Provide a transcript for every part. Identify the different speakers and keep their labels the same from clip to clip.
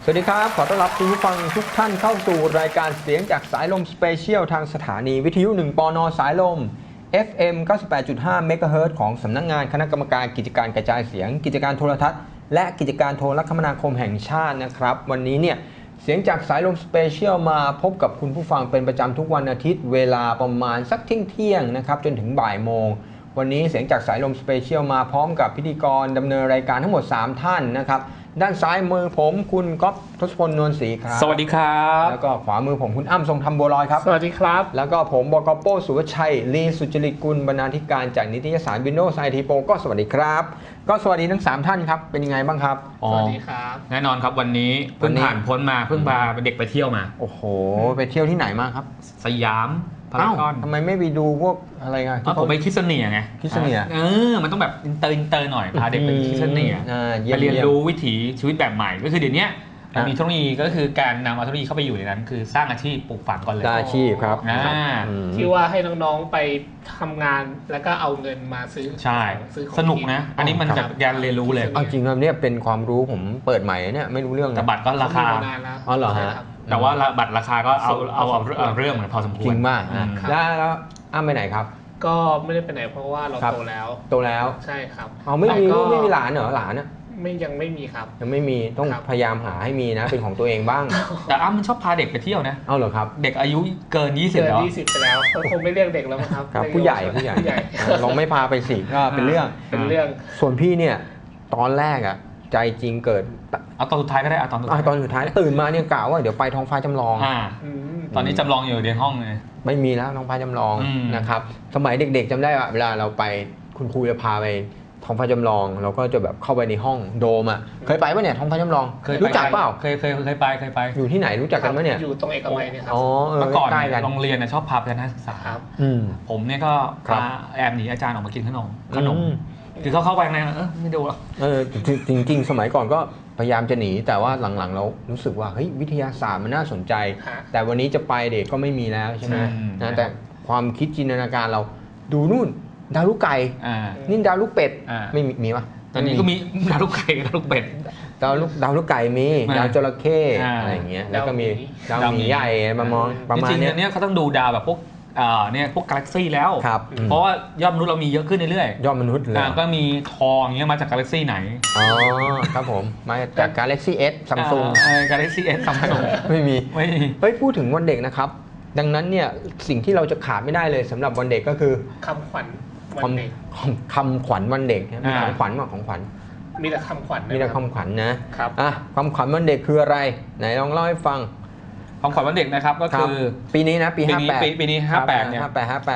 Speaker 1: วัสดีครับขอต้อนรับคุณผู้ฟังทุกท่านเข้าสู่รายการเสียงจากสายลมสเปเชียลทางสถานีวิทยุ1 ปน.สายลม FM 98.5 เมกะเฮิรตซ์ของสำนักงานคณะกรรมการกิจการกระจายเสียงกิจการโทรทัศน์และกิจการโทรคมนาคมแห่งชาตินะครับวันนี้เนี่ยเสียงจากสายลมสเปเชียลมาพบกับคุณผู้ฟังเป็นประจำทุกวันอาทิตย์เวลาประมาณสักเที่ยงนะครับจนถึงบ่ายโมงวันนี้เสียงจากสายลมสเปเชียลมาพร้อมกับพิธีกรดำเนินรายการทั้งหมด3ท่านนะครับด้านซ้ายมือผมคุณก๊อฟทศพลนวลศรีครับ
Speaker 2: สวัสดีครับ
Speaker 1: แล้วก็ขวามือผมคุณอ้ำทรงธรรมบัวลอยครับ
Speaker 3: สวัสดีครับ
Speaker 1: แล้วก็ผมบก.โป้สุวชัยลีสุจริตกุลบรรณาธิการจากนิตยสาร Windows IT Pro ก็สวัสดีครับก็สวัสดีทั้ง3ท่านครับเป็นยังไงบ้างครับ
Speaker 3: สวัสดีครับ
Speaker 2: แน่นอนครับวันนี้เพิ่งผ่านพ้นมาเพิ่งพาเด็กไปเที่ยวมา
Speaker 1: โอ้โหไปเที่ยวที่ไหนมาครับ
Speaker 2: สยามพารากอน
Speaker 1: ทำไมไม่ไปดูพวกอะไรกัน
Speaker 2: ผมไปคิสเนียไง
Speaker 1: คิสเนีย
Speaker 2: มันต้องแบบอินเตอร์หน่อยพาเด็กไปคิสเนียไปเรียนรู้วิถีชีวิตแบบใหม่ก็คือเดี๋ยวนี้มีเทคโนโลยีก็คือการนำเอาเทคโนโลยีเข้าไปอยู่ในนั้นคือสร้างอาชีพปลูกฝังก่อนเลย
Speaker 1: อาชีพครับ
Speaker 3: ที่ว่าให้น้องๆไปทำงานแล้วก็เอาเงินมาซื้อ
Speaker 2: ใช่สนุกนะอันนี้มันจะการเรียนรู้เลย
Speaker 1: จริงๆเนี่ยเป็นความรู้ผมเปิดใหม่เนี่ยไม่รู้เรื่อง
Speaker 2: แต่บัตรก็ราคา
Speaker 1: อ๋อเหรอฮะ
Speaker 2: แต่ว่าบัตรราคาก็เอาเรื่องเหมือนพอสมควร
Speaker 1: จริงมากแล้วอ้ำไปไหนครับ
Speaker 3: ก็ไม่ได้ไปไหนเพราะว่าเราโตแล้วใช่ครับ
Speaker 1: เอาไม่มีลูกไม่มีหลานเหรอหลานอ่ะ
Speaker 3: ยังไม่มีครับ
Speaker 1: ยังไม่มีต้องพยายามหาให้มีนะเป็นของตัวเองบ้าง
Speaker 2: แต่อ้ำมันชอบพาเด็กไปเที่ยวนะ
Speaker 1: เอาเหรอครับ
Speaker 2: เด็กอายุเกิน20แล้ว
Speaker 3: ไปแล้วเขาคงไม่เรียกเด็กแล้วครับ
Speaker 1: ผู้ใหญ่ลองไม่พาไปสิก็เป็นเรื่องส่วนพี่เนี่ยตอนแรกอ่ะใจจริงเกิด
Speaker 2: เอาตอนสุดท้ายก็ได้ตอน
Speaker 1: สุดท้ายตื่นมาเนี่ยกล่าวว่าเดี๋ยวไปท้องฟ้าจำลอง
Speaker 2: ตอนนี้จำลองอยู่ในห้องเลย
Speaker 1: ไม่มีแล้วท้องฟ้าจำลองนะครับสมัยเด็กๆจำได้ว่าเวลาเราไปคุณครูจะพาไปท้องฟ้าจำลองเราก็จะแบบเข้าไปในห้องโดมอ่ะเคยไปป่ะเนี่ยท้องฟ้าจำลองรู้จักเปล่า
Speaker 2: เคยไป
Speaker 1: อยู่ที่ไหนรู้จักกันป่ะเนี่ย
Speaker 3: อยู่ตรงเอกมัยเนี่ยครับ
Speaker 2: เมื่อก่อนโรงเรียนชอบพาไปนักศึกษาผมเนี่ยก็พาแอบหนีอาจารย์ออกมากินขนมคือเขาเข้าไปในไม่ดูหรอก
Speaker 1: จริงๆสมัยก่อนก็พยายามจะหนีแต่ว่าหลังๆเรารู้สึกว่าเฮ้ยวิทยาศาสตร์มันน่าสนใจแต่วันนี้จะไปเด็กก็ไม่มีแล้วใช่ไหมนะแต่ความคิดจินตนาการเราดูนู่นดาวลูกไก่นี่ดาวลูกเป็ดไม่มีปะ
Speaker 2: ตอนนี้ก็มีดาวลูกไก่ดาวลูกเป็ด
Speaker 1: ดาวลูกไก่มีดาวจระเข้อะไรอย่างเงี้ยแล้วก็มีดาวหมีใหญ่ประมาณ
Speaker 2: นี้เขาต้องดูดาวแบบพวกเนี่ยพวกกาแล็กซี่แล้วเพราะว่ายอดมนุษย์เรามีเยอะขึ้นเรื่อย
Speaker 1: ๆยอดมนุษย์เลย
Speaker 2: ก็มีทองอย่างเงี้ยมาจากกาแล็กซี่ไหน
Speaker 1: อ๋อครับผมมาจาก Galaxy S Samsung
Speaker 2: Galaxy S Samsung
Speaker 1: ไม่มีเฮ้ยพูดถึงวันเด็กนะครับดังนั้นเนี่ยสิ่งที่เราจะขาดไม่ได้เลยสำหรับวันเด็กก็คือ
Speaker 3: คำขวัญวันเด็ก
Speaker 1: คำขวัญวันเด็กมีของขวัญว่าของขวัญ
Speaker 3: มีแต่คำขวัญ
Speaker 1: มีแต่คำขวัญนะครับคำขวัญวันเด็กคืออะไรไหนลองเล่าให้ฟัง
Speaker 2: คำขวัญวันเด็กนะครับก็คือ
Speaker 1: ปีนี้นะปี
Speaker 2: 58ปีนี้58เนี่ย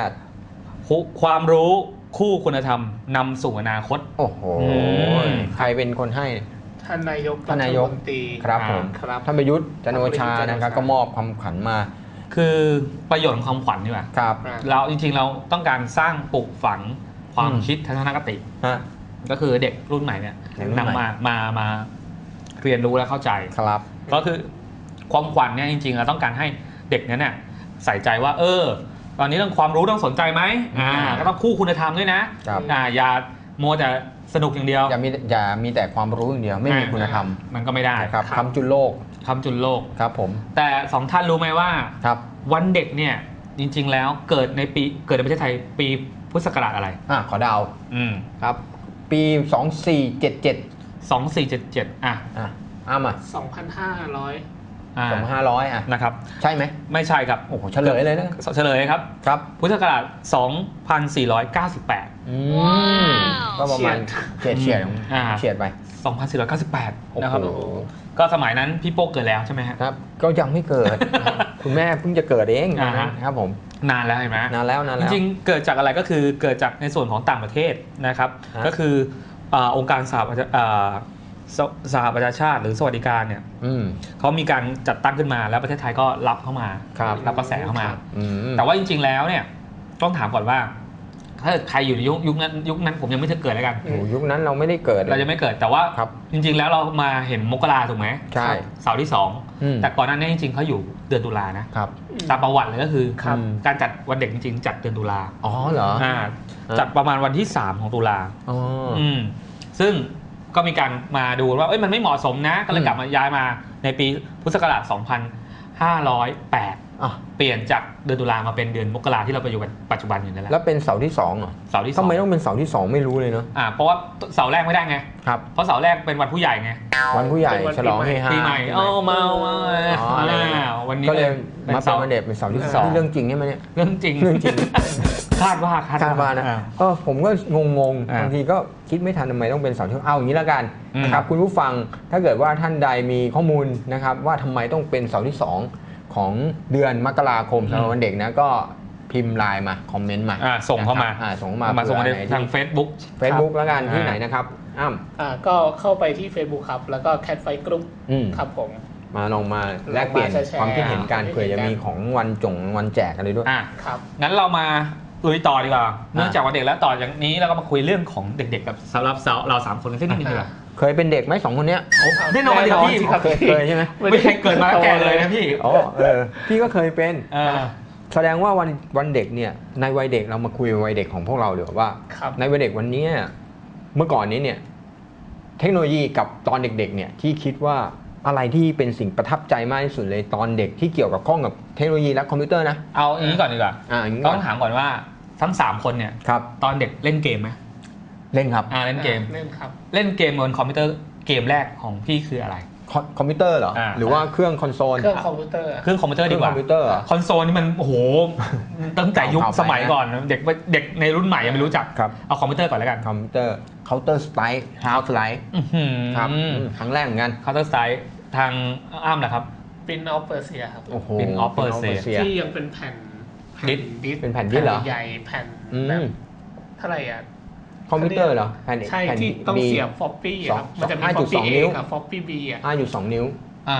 Speaker 1: 58
Speaker 2: ความรู้คู่คุณธรรมนำสู่อนาคต
Speaker 1: โอ้โหใครเป็นคนให้
Speaker 3: ท่านนายก
Speaker 1: รัฐมนตรีครับผมท่านประยุทธ์จันทร์โอชานะครับก็มอบคำขวัญมา
Speaker 2: คือประโยชน์ของคำขวัญนี่แหละเราจริงๆเราต้องการสร้างปลูกฝังความคิดทัศนคติก็คือเด็กรุ่นใหม่เนี่ยนำมาเรียนรู้และเข้าใจ
Speaker 1: ครับ
Speaker 2: ก็คือความขวัญเนี่ยจริงๆเราต้องการให้เด็กเนี่ยใส่ใจว่าตอนนี้เรื่องความรู้ต้องสนใจไหมก็ต้องคู่คุณธรรมด้วยนะอย่ามัวแต่สนุกอย่างเดียว
Speaker 1: อย่ามีแต่ความรู้อย่างเดียวไม่มีคุณธรรม
Speaker 2: มันก็ไม่ได้
Speaker 1: ครับคำจุลโลกครับผม
Speaker 2: แต่2ท่านรู้ไหมว่าวันเด็กเนี่ยจริงๆแล้วเกิดในประเทศไทยปีพุทธศักราชอะไร
Speaker 1: ขอเดาครับปี2477อ้ำ2500
Speaker 2: นะครับ
Speaker 1: ใช่ไหม
Speaker 2: ไม่ใช่ครับ
Speaker 1: โอ้โหเฉลยเลยนะ
Speaker 2: เฉลยครับพุทธศักราช2498
Speaker 1: ก็ประมาณเฉียดไป
Speaker 2: 2498นะครับก็สมัยนั้นพี่โป๊กเกิดแล้วใช่ไหม
Speaker 1: ครับก็ยังไม่เกิด คุณแม่เพิ่งจะเกิดเองนะครับผม
Speaker 2: นานแล้วเห็นไหม
Speaker 1: นานแล้ว
Speaker 2: จริงๆเกิดจากอะไรก็คือเกิดจากในส่วนของต่างประเทศนะครับก็คือองค์การสหประชาชาติหรือสวัสดิการเนี่ยเขามีการจัดตั้งขึ้นมาแล้วประเทศไทยก็รับเข้ามารับกระแสเข้ามาแต่ว่าจริงๆแล้วเนี่ยต้องถามก่อนว่าถ้าใครอยู่ในยุคนั้นผมยังไม่เคยเกิดแล้วกัน
Speaker 1: ยุคนั้นเราไม่ได้เกิด
Speaker 2: เราจะไม่เกิดแต่ว่าจริงๆแล้วเรามาเห็นมกราถูกไหม
Speaker 1: ใช่
Speaker 2: เสาร์ที่2แต่ก่อนหน้านี้จริงๆเขาอยู่เดือนตุลานะครับตามประวัติเลยก็คือการจัดวันเด็กจริงๆจัดเดือนตุลา
Speaker 1: อ๋อเหรอ
Speaker 2: จัดประมาณวันที่3ของตุลาซึ่งก็มีการมาดูว่ามันไม่เหมาะสมนะก็เลยกลับมาย้ายมาในปีพุทธศักราช 2508 เปลี่ยนจากเดือนตุลามาเป็นเดือนมกราที่เราไปอยู่กันปัจจุบันอยู่นั่นแหละ
Speaker 1: แล้วเป็นเสาที่2เหรอ
Speaker 2: เสาที่2
Speaker 1: ทำไมต้องเป็นเสาที่2ไม่รู้เลยเนาะ
Speaker 2: เพราะว่าเสาแรกไม่ได้ไง
Speaker 1: ครับ
Speaker 2: เพราะเสาแรกเป็นวันผู้ใหญ่ไง
Speaker 1: วันผู้ใหญ่ฉลองเฮฮา
Speaker 2: ปีใหม่มาวันนี้
Speaker 1: ก็เลยมาเป็นวันเด็กเป็นเสาที่2เรื่องจริงใช่ไหมเนี่ย
Speaker 2: เรื่องจริงคาดว่า
Speaker 1: นะผมก็งงบางทีก็คิดไม่ทันทำไมต้องเป็นเสาที่เอาอย่างนี้แล้วกันนะครับคุณผู้ฟังถ้าเกิดว่าท่านใดมีข้อมูลนะครับว่าทำไมต้องเป็นเสาที่2ของเดือนมกราคมสำหรับวันเด็กนะก็พิมพ์ไลน์มาคอมเมนต์มา
Speaker 2: ส่งเข้ามา
Speaker 1: ส่ง
Speaker 2: ทาง Facebook
Speaker 1: แล้วกันที่ไหนนะครับ
Speaker 3: ก็เข้าไปที่ Facebook ครับแล้วก็ Cat Fight Group ครับผม
Speaker 1: ลองมาแลกเปลี่ยนความคิดเห็นกันเผื่อจะมีของวันแจกอะไรด้วย
Speaker 2: ครับงั้นเรามาลุยต่อดีกว่าเนื่องจากวันเด็กแล้วต่อจากนี้เราก็มาคุยเรื่องของเด็กๆกับสำหรับเรา3คนกันสักนิดนึงดีกว่า
Speaker 1: เคยเป็นเด็กไหม2คนเนี้ย
Speaker 2: แน่นอนดิพี่
Speaker 1: เคยใช่ไหม
Speaker 2: ไม่ใช่เกิดมาแก่เลยนะพี่
Speaker 1: พี่ก็เคยเป็นแสดงว่าวันเด็กเนี่ยในวัยเด็กเรามาคุยวัยเด็กของพวกเราเดี๋ยวว่าในวัยเด็กวันนี้เมื่อก่อนนี้เนี่ยเทคโนโลยีกับตอนเด็กๆเนี่ยที่คิดว่าอะไรที่เป็นสิ่งประทับใจมากที่สุดเลยตอนเด็กที่เกี่ยวกับข้องกับเทคโนโลยีและคอมพิวเตอร์นะ
Speaker 2: เอาอย่างนี้ก่อนดีกว่าต้องถามก่อนว่าทั้ง3คนเนี่ยตอนเด็กเล่นเกมไหม
Speaker 1: เล่นครับ
Speaker 3: เล่นเกม
Speaker 2: เล่นเกมบนคอมพิวเตอร์เกมแรกของพี่คืออะไร
Speaker 1: คอมพิวเตอร์เหรอหรือว่าเครื่องคอนโซล
Speaker 3: เครื่องคอมพิวเตอร์
Speaker 2: ดีกว่าคอนโซลนี่มันโอ้โหตั้งแต่ยุคสมัยก่อนเด็กในรุ่นใหม่ยังไม่รู้จักเอาคอมพิวเตอร์ก่อนแล้วกัน
Speaker 1: คอมพิวเตอร์ Counter Strike Half Life ครับครั้งแรกเหมือนกัน
Speaker 2: Counter Strike ทางอ้ำเหรอครับ
Speaker 3: Prince of Persia ครับ
Speaker 1: โอ้โห
Speaker 2: Prince of Persia
Speaker 3: ที่ยังเป็นแผ่น
Speaker 2: ดิส
Speaker 1: เป็นแผ่นดิสเหรอ
Speaker 3: ใหญ่แผ่นแบบเท่าไหร่
Speaker 1: คอมพิวเตอร์เหรอ
Speaker 3: ใช่ที่ต้องเสียบฟอปปี้ครับมันจะมีฟอปปี้ A กับฟอปปี้ B
Speaker 1: 5.2 นิ้ว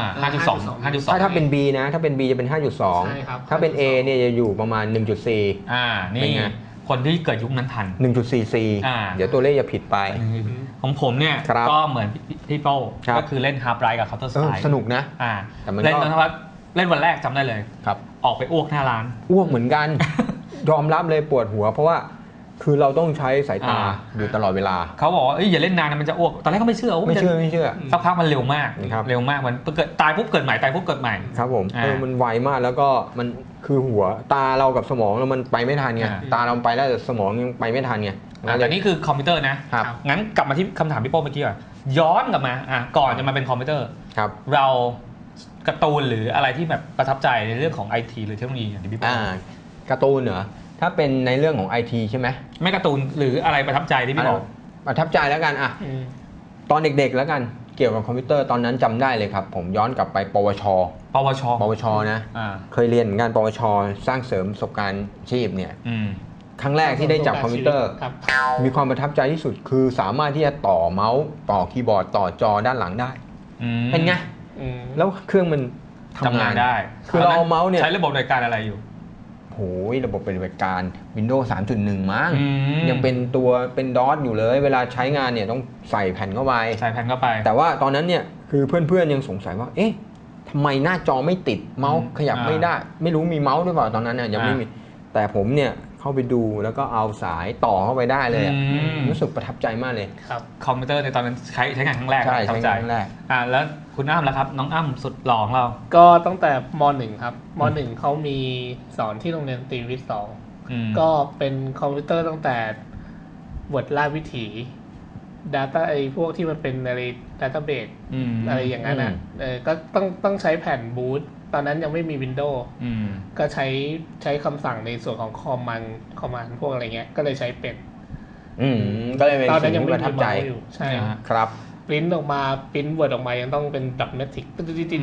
Speaker 2: 5.2
Speaker 1: ถ้าเป็น B นะถ้าเป็น B จะเป็น 5.2 ถ้าเป็น A เนี่ยจะอยู่ประมาณ 1.4
Speaker 2: นี่คนที่เกิดยุคนั้นทัน
Speaker 1: 1.44 เดี๋ยวตัวเลขจะผิดไป
Speaker 2: ของผมเนี่ยก็เหมือนพี่โป้ก็คือเล่น Half Life กับ Counter Strike
Speaker 1: สนุกนะ
Speaker 2: เล่นวันแรกจำได้เลยออกไปอ้วกหน้าร้าน
Speaker 1: อ้วกเหมือนกันยอมรับเลยปวดหัวเพราะว่าคือเราต้องใช้สายตาอยู่ตลอดเวลา
Speaker 2: เขาบอกว่าอย่าเล่นนานนะมันจะอ้วกตอนแรกก็ไม่เชื่อ
Speaker 1: ไม่เชื่อ
Speaker 2: สักพักมันเร็วมากมันเกิดตายปุ๊บเกิดใหม่ตายปุ๊บเกิดใหม่
Speaker 1: ครับผมมันไวมากแล้วก็มันคือหัวตาเรากับสมองเรามันไปไม่ทันไงตาเราไปแล้วแต่สมองยังไปไม่ทันไง
Speaker 2: แต่นี่คือคอมพิวเตอร์นะงั้นกลับมาที่คำถามพี่โป้เมื่อกี้ก่อนย้อนกลับมาก่อนจะมาเป็นคอมพิวเตอร์เราการ์ตูนหรืออะไรที่แบบประทับใจในเรื่องของ IT หรือเทคโนโลยีอย่างที่พี่โป้
Speaker 1: การ์ตูนเหรอถ้าเป็นในเรื่องของ IT ใช่ไหม
Speaker 2: ไม่การ์ตูนหรืออะไรประทับใจที่พี่บอก
Speaker 1: ประทับใจแล้วกันตอนเด็กๆแล้วกันเกี่ยวกับคอมพิวเตอร์ตอนนั้นจำได้เลยครับผมย้อนกลับไปปวชนะเคยเรียนเหมือนกันปวชสร้างเสริมประสบการณ์ชีพเนี่ยครั้งแรกที่ได้จับคอมพิวเตอร์มีความประทับใจที่สุดคือสามารถที่จะต่อเมาส์ต่อคีย์บอร์ดต่อจอด้านหลังได้เป็นไงแล้วเครื่องมัน
Speaker 2: ทำงานได้
Speaker 1: คือเราเอาเมาส์เนี่ย
Speaker 2: ใช้ระบบในการอะไรอยู่
Speaker 1: โหระบบปฏิบัติการ Windows 3.1 มั้งยังเป็นตัวเป็นดอทอยู่เลยเวลาใช้งานเนี่ยต้องใส่แผ่นเข้าไปแต่ว่าตอนนั้นเนี่ยคือเพื่อนๆยังสงสัยว่าเอ๊ะทำไมหน้าจอไม่ติดเมาส์ขยับไม่ได้ไม่รู้มีเมาส์ด้วยเปล่าตอนนั้นเนี่ยยังไม่มีแต่ผมเนี่ยเข้าไปดูแล้วก็เอาสายต่อเข้าไปได้เลยรู้สึกประทับใจมากเลย
Speaker 2: ครับคอมพิวเตอร์ในตอนนั้นใช้งานครั้งแรก
Speaker 1: ใช่ใช้งานครั้งแรก
Speaker 2: แล้วคุณอ้ำล่ะครับน้องอ้ำสุดหล่อของเรา
Speaker 3: ก็ตั้งแต่ม.1 ครับม.1 เขามีสอนที่โรงเรียนตรีวิทย์ 2ก็เป็นคอมพิวเตอร์ตั้งแต่บทล่าวิถี Data ไอ้พวกที่มันเป็นอะไร Database อะไรอย่างนั้นก็ต้องใช้แผ่นบูตตอนนั้นยังไม่มี Windows ก็ใช้คำสั่งในส่วนของคอมมานด์พวกอะไรเงี้ยก็เลยใช้เป็น
Speaker 1: ก็เลยเป็นสิ่งที่ประทับใจ
Speaker 3: ใช่
Speaker 1: ครับ
Speaker 3: ปริ้นออกมาปริ้นเวิร์ดออกมายังต้องเป็นดับเมทริก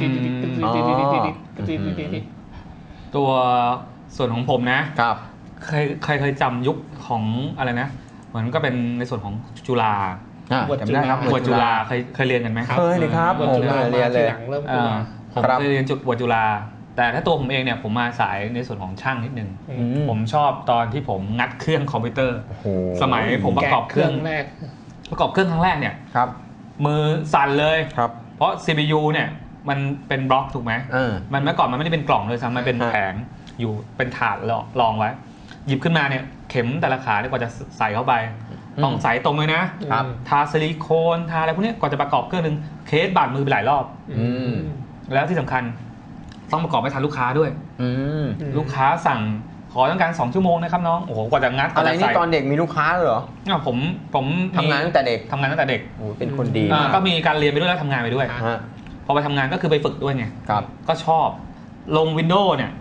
Speaker 2: ตัวส่วนของผมนะครับเคยจำยุคของอะไรนะเหมือนก็เป็นในส่วนของจุฬา
Speaker 1: จำได้ครับ
Speaker 2: บวชจุฬาเคยเรียนกันไหม
Speaker 1: เคยเลยครับผมเรียนเลย
Speaker 2: ผมเคยเรียนบวชจุฬาแต่ถ้าตัวผมเองเนี่ยผมมาสายในส่วนของช่างนิดนึงผมชอบตอนที่ผมงัดเครื่องคอมพิวเตอร์สมัยผมประกอบเครื่องครั้งแรกเนี่ยมือสั่นเลยเพราะ CPU เนี่ยมันเป็นบล็อกถูกไหมมันเมื่อก่อนมันไม่ได้เป็นกล่องเลยซ้ำมันเป็นแผงอยู่เป็นถาดรองไว้หยิบขึ้นมาเนี่ยเข็มแต่ละขาเนี่ยกว่าจะใส่เข้าไปต้องใสตรงเลยนะครับ ทาซิลิโคนทาอะไรพวกนี้ก่อนจะประกอบเครื่องนึงเคสบาดมือไปหลายรอบ แล้วที่สำคัญต้องประกอบให้ทันลูกค้าด้วย ลูกค้าสั่งขอต้องการ2 ชั่วโมงนะครับน้องโอ้โหกว่าจะงัด
Speaker 1: อะไรนี่ตอนเด็กมีลูกค้าเหรอ
Speaker 2: ผม
Speaker 1: ทำงานตั้งแต่เด็ก
Speaker 2: ทำงานตั้งแต่เด็ก
Speaker 1: โอ้เป็นคนดี
Speaker 2: ก็มีการเรียนไปด้วยแล้วทำงานไปด้วย
Speaker 1: ฮะ
Speaker 2: พอไปทำงานก็คือไปฝึกด้วยไง
Speaker 1: ครับ
Speaker 2: ก็ชอบลง Windows เนี่ย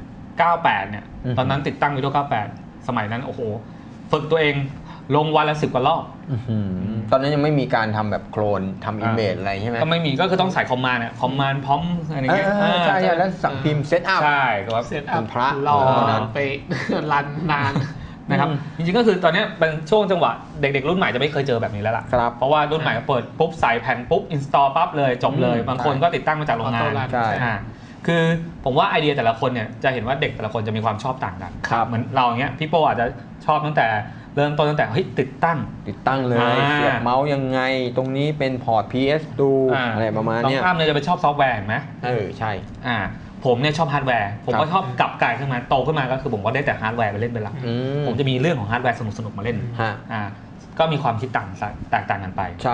Speaker 2: 98เนี่ยตอนนั้นติดตั้ง Windows 98 สมัยนั้นโอ้โหฝึกตัวเองลงวันละ10 กว่ารอบ
Speaker 1: ตอนนั้นยังไม่มีการทำแบบโคลนทำอิมเมจอะไรใช่ไหม
Speaker 2: ก็ไม่มีก็คือต้องใส่คอมมานด์คอมมานด์พร้อมอะไรเงี้ย
Speaker 1: ใช่แล้วสั่งพิมพ์เซตอัพ
Speaker 2: ใช่ครับ
Speaker 3: เซตอัพ
Speaker 1: พระ
Speaker 3: รอ
Speaker 1: นั้น
Speaker 3: ไป รันนาน
Speaker 2: นะครับจริงๆก็คือตอนนี้เป็นช่วงจังหวะเด็กๆรุ่นใหม่จะไม่เคยเจอแบบนี้แล้วล่ะ
Speaker 1: ครับ
Speaker 2: เพราะว่ารุ่นใหม่เปิดปุ๊บใส่แผ่นปุ๊บอินสตอลปั๊บเลยจบเลยบางคนก็ติดตั้งมาจากโรงงาน
Speaker 3: Auto run
Speaker 1: ใช่
Speaker 2: คือผมว่าไอเดียแต่ละคนเนี่ยจะเห็นว่าเด็กแต่ละคนจะมีความชอบต่างกัน
Speaker 1: ครับ
Speaker 2: เหมือนเราอย่างเงี้ยพี่โปอาจจะชอบตั้งแต่เริ่มต้นตั้งแต่เฮ้ยติดตั้ง
Speaker 1: เลย เสียบเมาส์ยังไงตรงนี้เป็นพอร์ต PS ดูอะไรประมาณ
Speaker 2: น้อง
Speaker 1: เนี้ย
Speaker 2: อ้ำเนี่ยจะไปชอบซอฟต์แวร์เห็นไหม
Speaker 1: ใช่
Speaker 2: ผมเนี่ยชอบฮาร์ดแวร์ผม
Speaker 1: ค
Speaker 2: ก็
Speaker 1: รับ
Speaker 2: ชอบกลับกลายขึ้นมาโตขึ้นมาก็คือผมก็ได้แต่ฮาร์ดแวร์ไปเล่นเป็นหลัก ผมจะมีเรื่องของฮาร์ดแวร์สนุกๆมาเล่น
Speaker 1: ฮะ
Speaker 2: ก็มีความคิดแตกต่างกันไป
Speaker 1: ใช่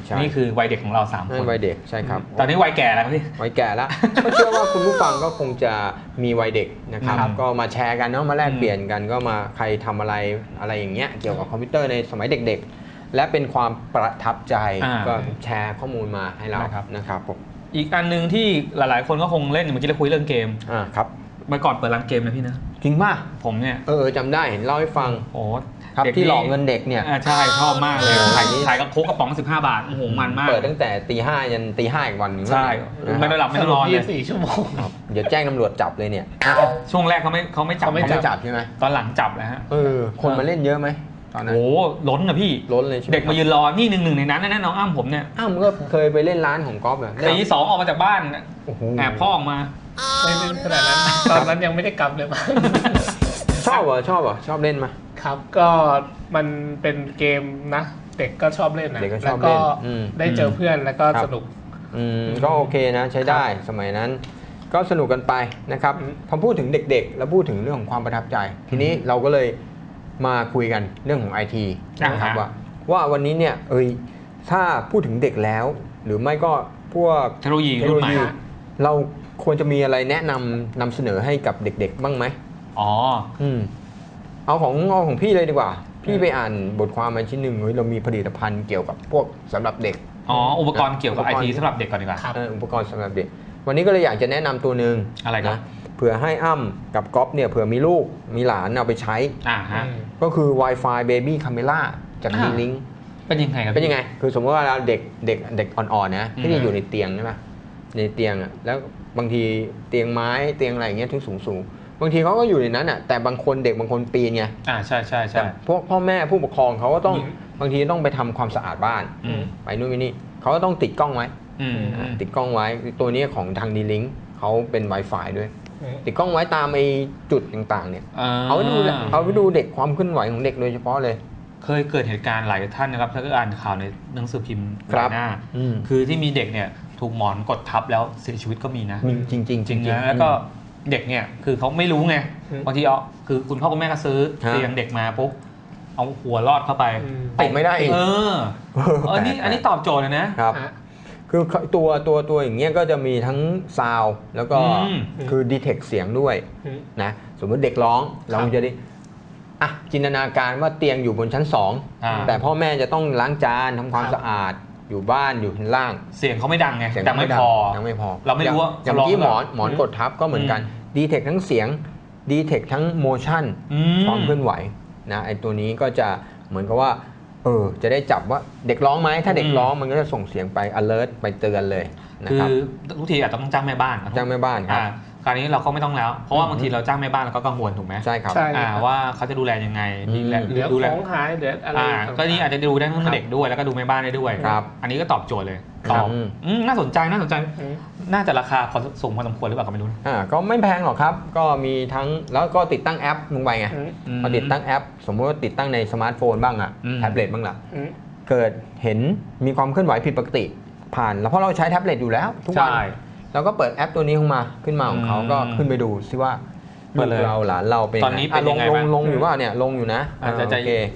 Speaker 2: นี่คือวัยเด็กของเรา3 คน
Speaker 1: วัยเด็กใช่ครับ
Speaker 2: ตอนนี้วัยแก่แล้วพี่
Speaker 1: วัยแก่แล้ว ก็เชื่อว่าคุณผู้ฟังก็คงจะมีวัยเด็กนะครับ
Speaker 2: ครับ
Speaker 1: ก็มาแชร์กันเนาะมาแลกเปลี่ยนกันก็มาใครทำอะไรอย่างเงี้ยเกี่ยวกับคอมพิวเตอร์ในสมัยเด็กๆ และเป็นความประทับใจก็แชร์ข้อมูลมาให้เรานะครับผม
Speaker 2: อีกอันหนึงที่หลายๆคนก็คงเล่นเมื่อกี้เราคุยเรื่องเกม
Speaker 1: ครับ
Speaker 2: เมื่อก่อนเปิดร้านเกมนะพี่นะ
Speaker 1: จริงป่ะ
Speaker 2: ผมเนี่ย
Speaker 1: จำได้เห็นเล่าให้ฟัง
Speaker 2: โอ้
Speaker 1: ครับ
Speaker 2: ด็ก
Speaker 1: ที่หลอกเงินเด็กเนี่ย
Speaker 2: ใช่ชอบมากเลย
Speaker 1: โอ้โห
Speaker 2: ขายกับโค้กกระป๋อง15 บาทโอ้โหมันมาก
Speaker 1: เปิดตั้งแต่ตีห้ายันตีห้าอีกวันหนึง
Speaker 2: ใช่
Speaker 1: นะ
Speaker 2: ไม่ได้หลับไม่ได้นอนเลย
Speaker 3: 24 ชั่วโมง
Speaker 1: ครับเดี๋ยวแจ้งตำรวจจับเลยเนี่ย
Speaker 2: ช่วงแรกเขาไม่จับ
Speaker 3: เขาไม่
Speaker 1: เขาไม่จับใช่ไหม
Speaker 2: ตอนหลังจับแล้วฮะ
Speaker 1: คนมาเล่นเยอะไหมตอนนั้น
Speaker 2: โอ้ล้นนะพี่
Speaker 1: ล้นเลยใช่ไหม
Speaker 2: เด็กมายืนรอนี่หนึ่งในนั้นนะน้องอ้ำผมเนี่ย
Speaker 1: มึงก็เคยไปเล่นร้านของก๊อฟเหรอ
Speaker 2: ตี 2ออกมาจากบ้าน
Speaker 1: โอ้โห
Speaker 2: แอบพ่อออกมา
Speaker 3: ไม่เล่นขนาดนั้น ตอนนั้นยังไม่ได้กลับเลยมั้ง
Speaker 1: ชอบเหรอชอบเล่นมา
Speaker 3: ครับก็มันเป็นเกมนะ เด็กก็ชอบเล่นนะ
Speaker 1: เด็กก็ช
Speaker 3: แล้
Speaker 1: อ
Speaker 3: ว
Speaker 1: บ
Speaker 3: ก็
Speaker 1: เล่น
Speaker 3: ได้เจอเพื่อนแล้วก็
Speaker 1: ครับ
Speaker 3: สนุก
Speaker 1: ก็โอเคนะใช้ได้สมัยนั้นก็สนุกกันไปนะครับ
Speaker 3: อืม
Speaker 1: พอพูดถึงเด็กๆ แล้วพูดถึงเรื่องของความประทับใจ ทีนี้เราก็เลยมาคุยกันเรื่องของ IT นะครับว่าวันนี้เนี่ยถ้าพูดถึงเด็กแล้ว หรือไม่ก็พวก
Speaker 2: เทคโนโลยีรุ่นใหม่
Speaker 1: เราควรจะมีอะไรแนะนำเสนอให้กับเด็กๆ บ้างไหม
Speaker 2: อ๋อ
Speaker 1: เอาของพี่เลยดีกว่า พี่ไปอ่านบทความมาชิ้นหนึ่งเรามีผลิตภัณฑ์เกี่ยวกับพวกสำหรับเด็ก
Speaker 2: อ๋อ อุปกรณ์เกี่ยวกับไอทีสำหรับเด็กก่อนดีกว่า
Speaker 3: ครับ
Speaker 1: อุปกรณ์สำหรับเด็ก วันนี้ก็เลยอยากจะแนะนำตัวหนึ่ง
Speaker 2: อะไรครับ
Speaker 1: นะเผื่อให้อ้ำกับก๊อฟเนี่ยเผื่อมีลูกมีหลานเอาไปใช้
Speaker 2: ฮะ
Speaker 1: ก็คือ Wi-Fi Baby Camera จาก D-Link
Speaker 2: เป็นยังไงครับ
Speaker 1: เป็นยังไง คือสมมติว่าเราเด็กอ่อนๆนะที่อยู่ในเตียงใช่ไหมในเตียงอ่ะแล้วบางทีเตียงไม้เตียงอะไรอย่างเงี้ยที่สูงบางทีเขาก็อยู่ในนั้นอ่ะแต่บางคนเด็กบางคนปีนไง
Speaker 2: ใช่
Speaker 1: แต่พวกพ่อแม่ผู้ปกครองเขาก็ต้อง
Speaker 3: อืม
Speaker 1: บางทีต้องไปทำความสะอาดบ้าน ไปนู่นไปนี่เขาก็ต้องติดกล้องไว้ ติดกล้องไว้ตัวนี้ของทาง D-Link เขาเป็น Wi-Fi ด้วย ติดกล้องไว้ตามไอ้จุดต่างๆเนี่ยเอาไปดูเด็กความเคลื่อนไหวของเด็กโดยเฉพาะเลย
Speaker 2: เคยเกิดเหตุการณ์หลายท่านนะครับถ้าเกิดอ่านข่าวในหนังสือพิมพ์หลายหน้า คือที่มีเด็กเนี่ยถูกหมอนกดทับแล้วเสียชีวิตก็มีนะ
Speaker 1: จริงๆ
Speaker 2: นะแล้วก็เด็กเนี่ยคือเขาไม่รู้ไงบางทีคือคุณพ่อคุณแม่ก็ซื้อเตียงเด็กมาปุ๊บเอาหัวลอดเข้าไป
Speaker 1: ติดไม่ได้อีก
Speaker 2: อันนี้ตอบโจทย์เลยนะครับ
Speaker 1: คือตัวอย่างเงี้ยก็จะมีทั้งซาวด์แล้วก็คือดีเทคเสียงด้วยนะสมมติเด็กร้องเราจะได้จินตนาการว่าเตียงอยู่บนชั้น2แต่พ่อแม่จะต้องล้างจานทำความสะอาดอยู่บ้านอยู่ชั้นล่าง
Speaker 2: เสียงเขาไม่ดังไง
Speaker 1: เสียง
Speaker 2: แต่ไม่พอ
Speaker 1: ยังไม่พอ
Speaker 2: เราไม่รู้ว่า
Speaker 1: อย่างที่หมอนกดทับก็เหมือนกันดีเทคทั้งเสียงดีเทคทั้งโมชั่นความเคลื่อนไหวนะไอตัวนี้ก็จะเหมือนกับว่าจะได้จับว่าเด็กร้องไหมถ้าเด็กร้องมันก็จะส่งเสียงไป alert ไปเตือนเลยนะ
Speaker 2: คื
Speaker 1: ครับ
Speaker 2: อทุกทีอาจจะต้องจ้างแม่บ้าน
Speaker 1: จ้างแม่บ้านครับ
Speaker 2: คราวนี้เราก็ไม่ต้องแล้วเพราะว่าบางทีเราจ้างแม่บ้านเราก็กังวลถูกไหม
Speaker 1: ใช่ครับ
Speaker 3: ใช่
Speaker 2: ว่าเขาจะดูแลยังไง
Speaker 3: เดี๋ยว
Speaker 2: ดูแล
Speaker 3: ของหายเดี๋ยวอะไร
Speaker 2: ก็นี่อาจจะดูได้ทั้งเด็กด้วยแล้วก็ดูแม่บ้านได้ด้วย
Speaker 1: ครับ
Speaker 2: อันนี้ก็ตอบโจทย์เลย
Speaker 1: ครับ
Speaker 2: น่าสนใจน่าจะราคาพอสูงพอสมควรหรือเปล่าก็ไม่รู้นะ
Speaker 1: ก็ไม่แพงหรอกครับก็มีทั้งแล้วก็ติดตั้งแอปลงไปไงพอติดตั้งแอป สมมติว่าติดตั้งในสมาร์ทโฟนบ้างแท็บเล็ตบ้างล่ะเกิดเห็นมีความเคลื่อนไหวผิดปกติผ่านแล้วเพราะเราใช้แท็บเล็ตอยู่แล้วทุกวันเราก็เปิดแอปตัวนี้ขึ้นมาของเขาก็ขึ้นไปดูซิว่าลูกเราหลานเราเป็น
Speaker 2: ตอนนี้เป็นยังไงบ้าง
Speaker 1: ลงอยู่ว่าเนี่ยลงอยู่นะ
Speaker 2: อาจจะ
Speaker 1: โอเค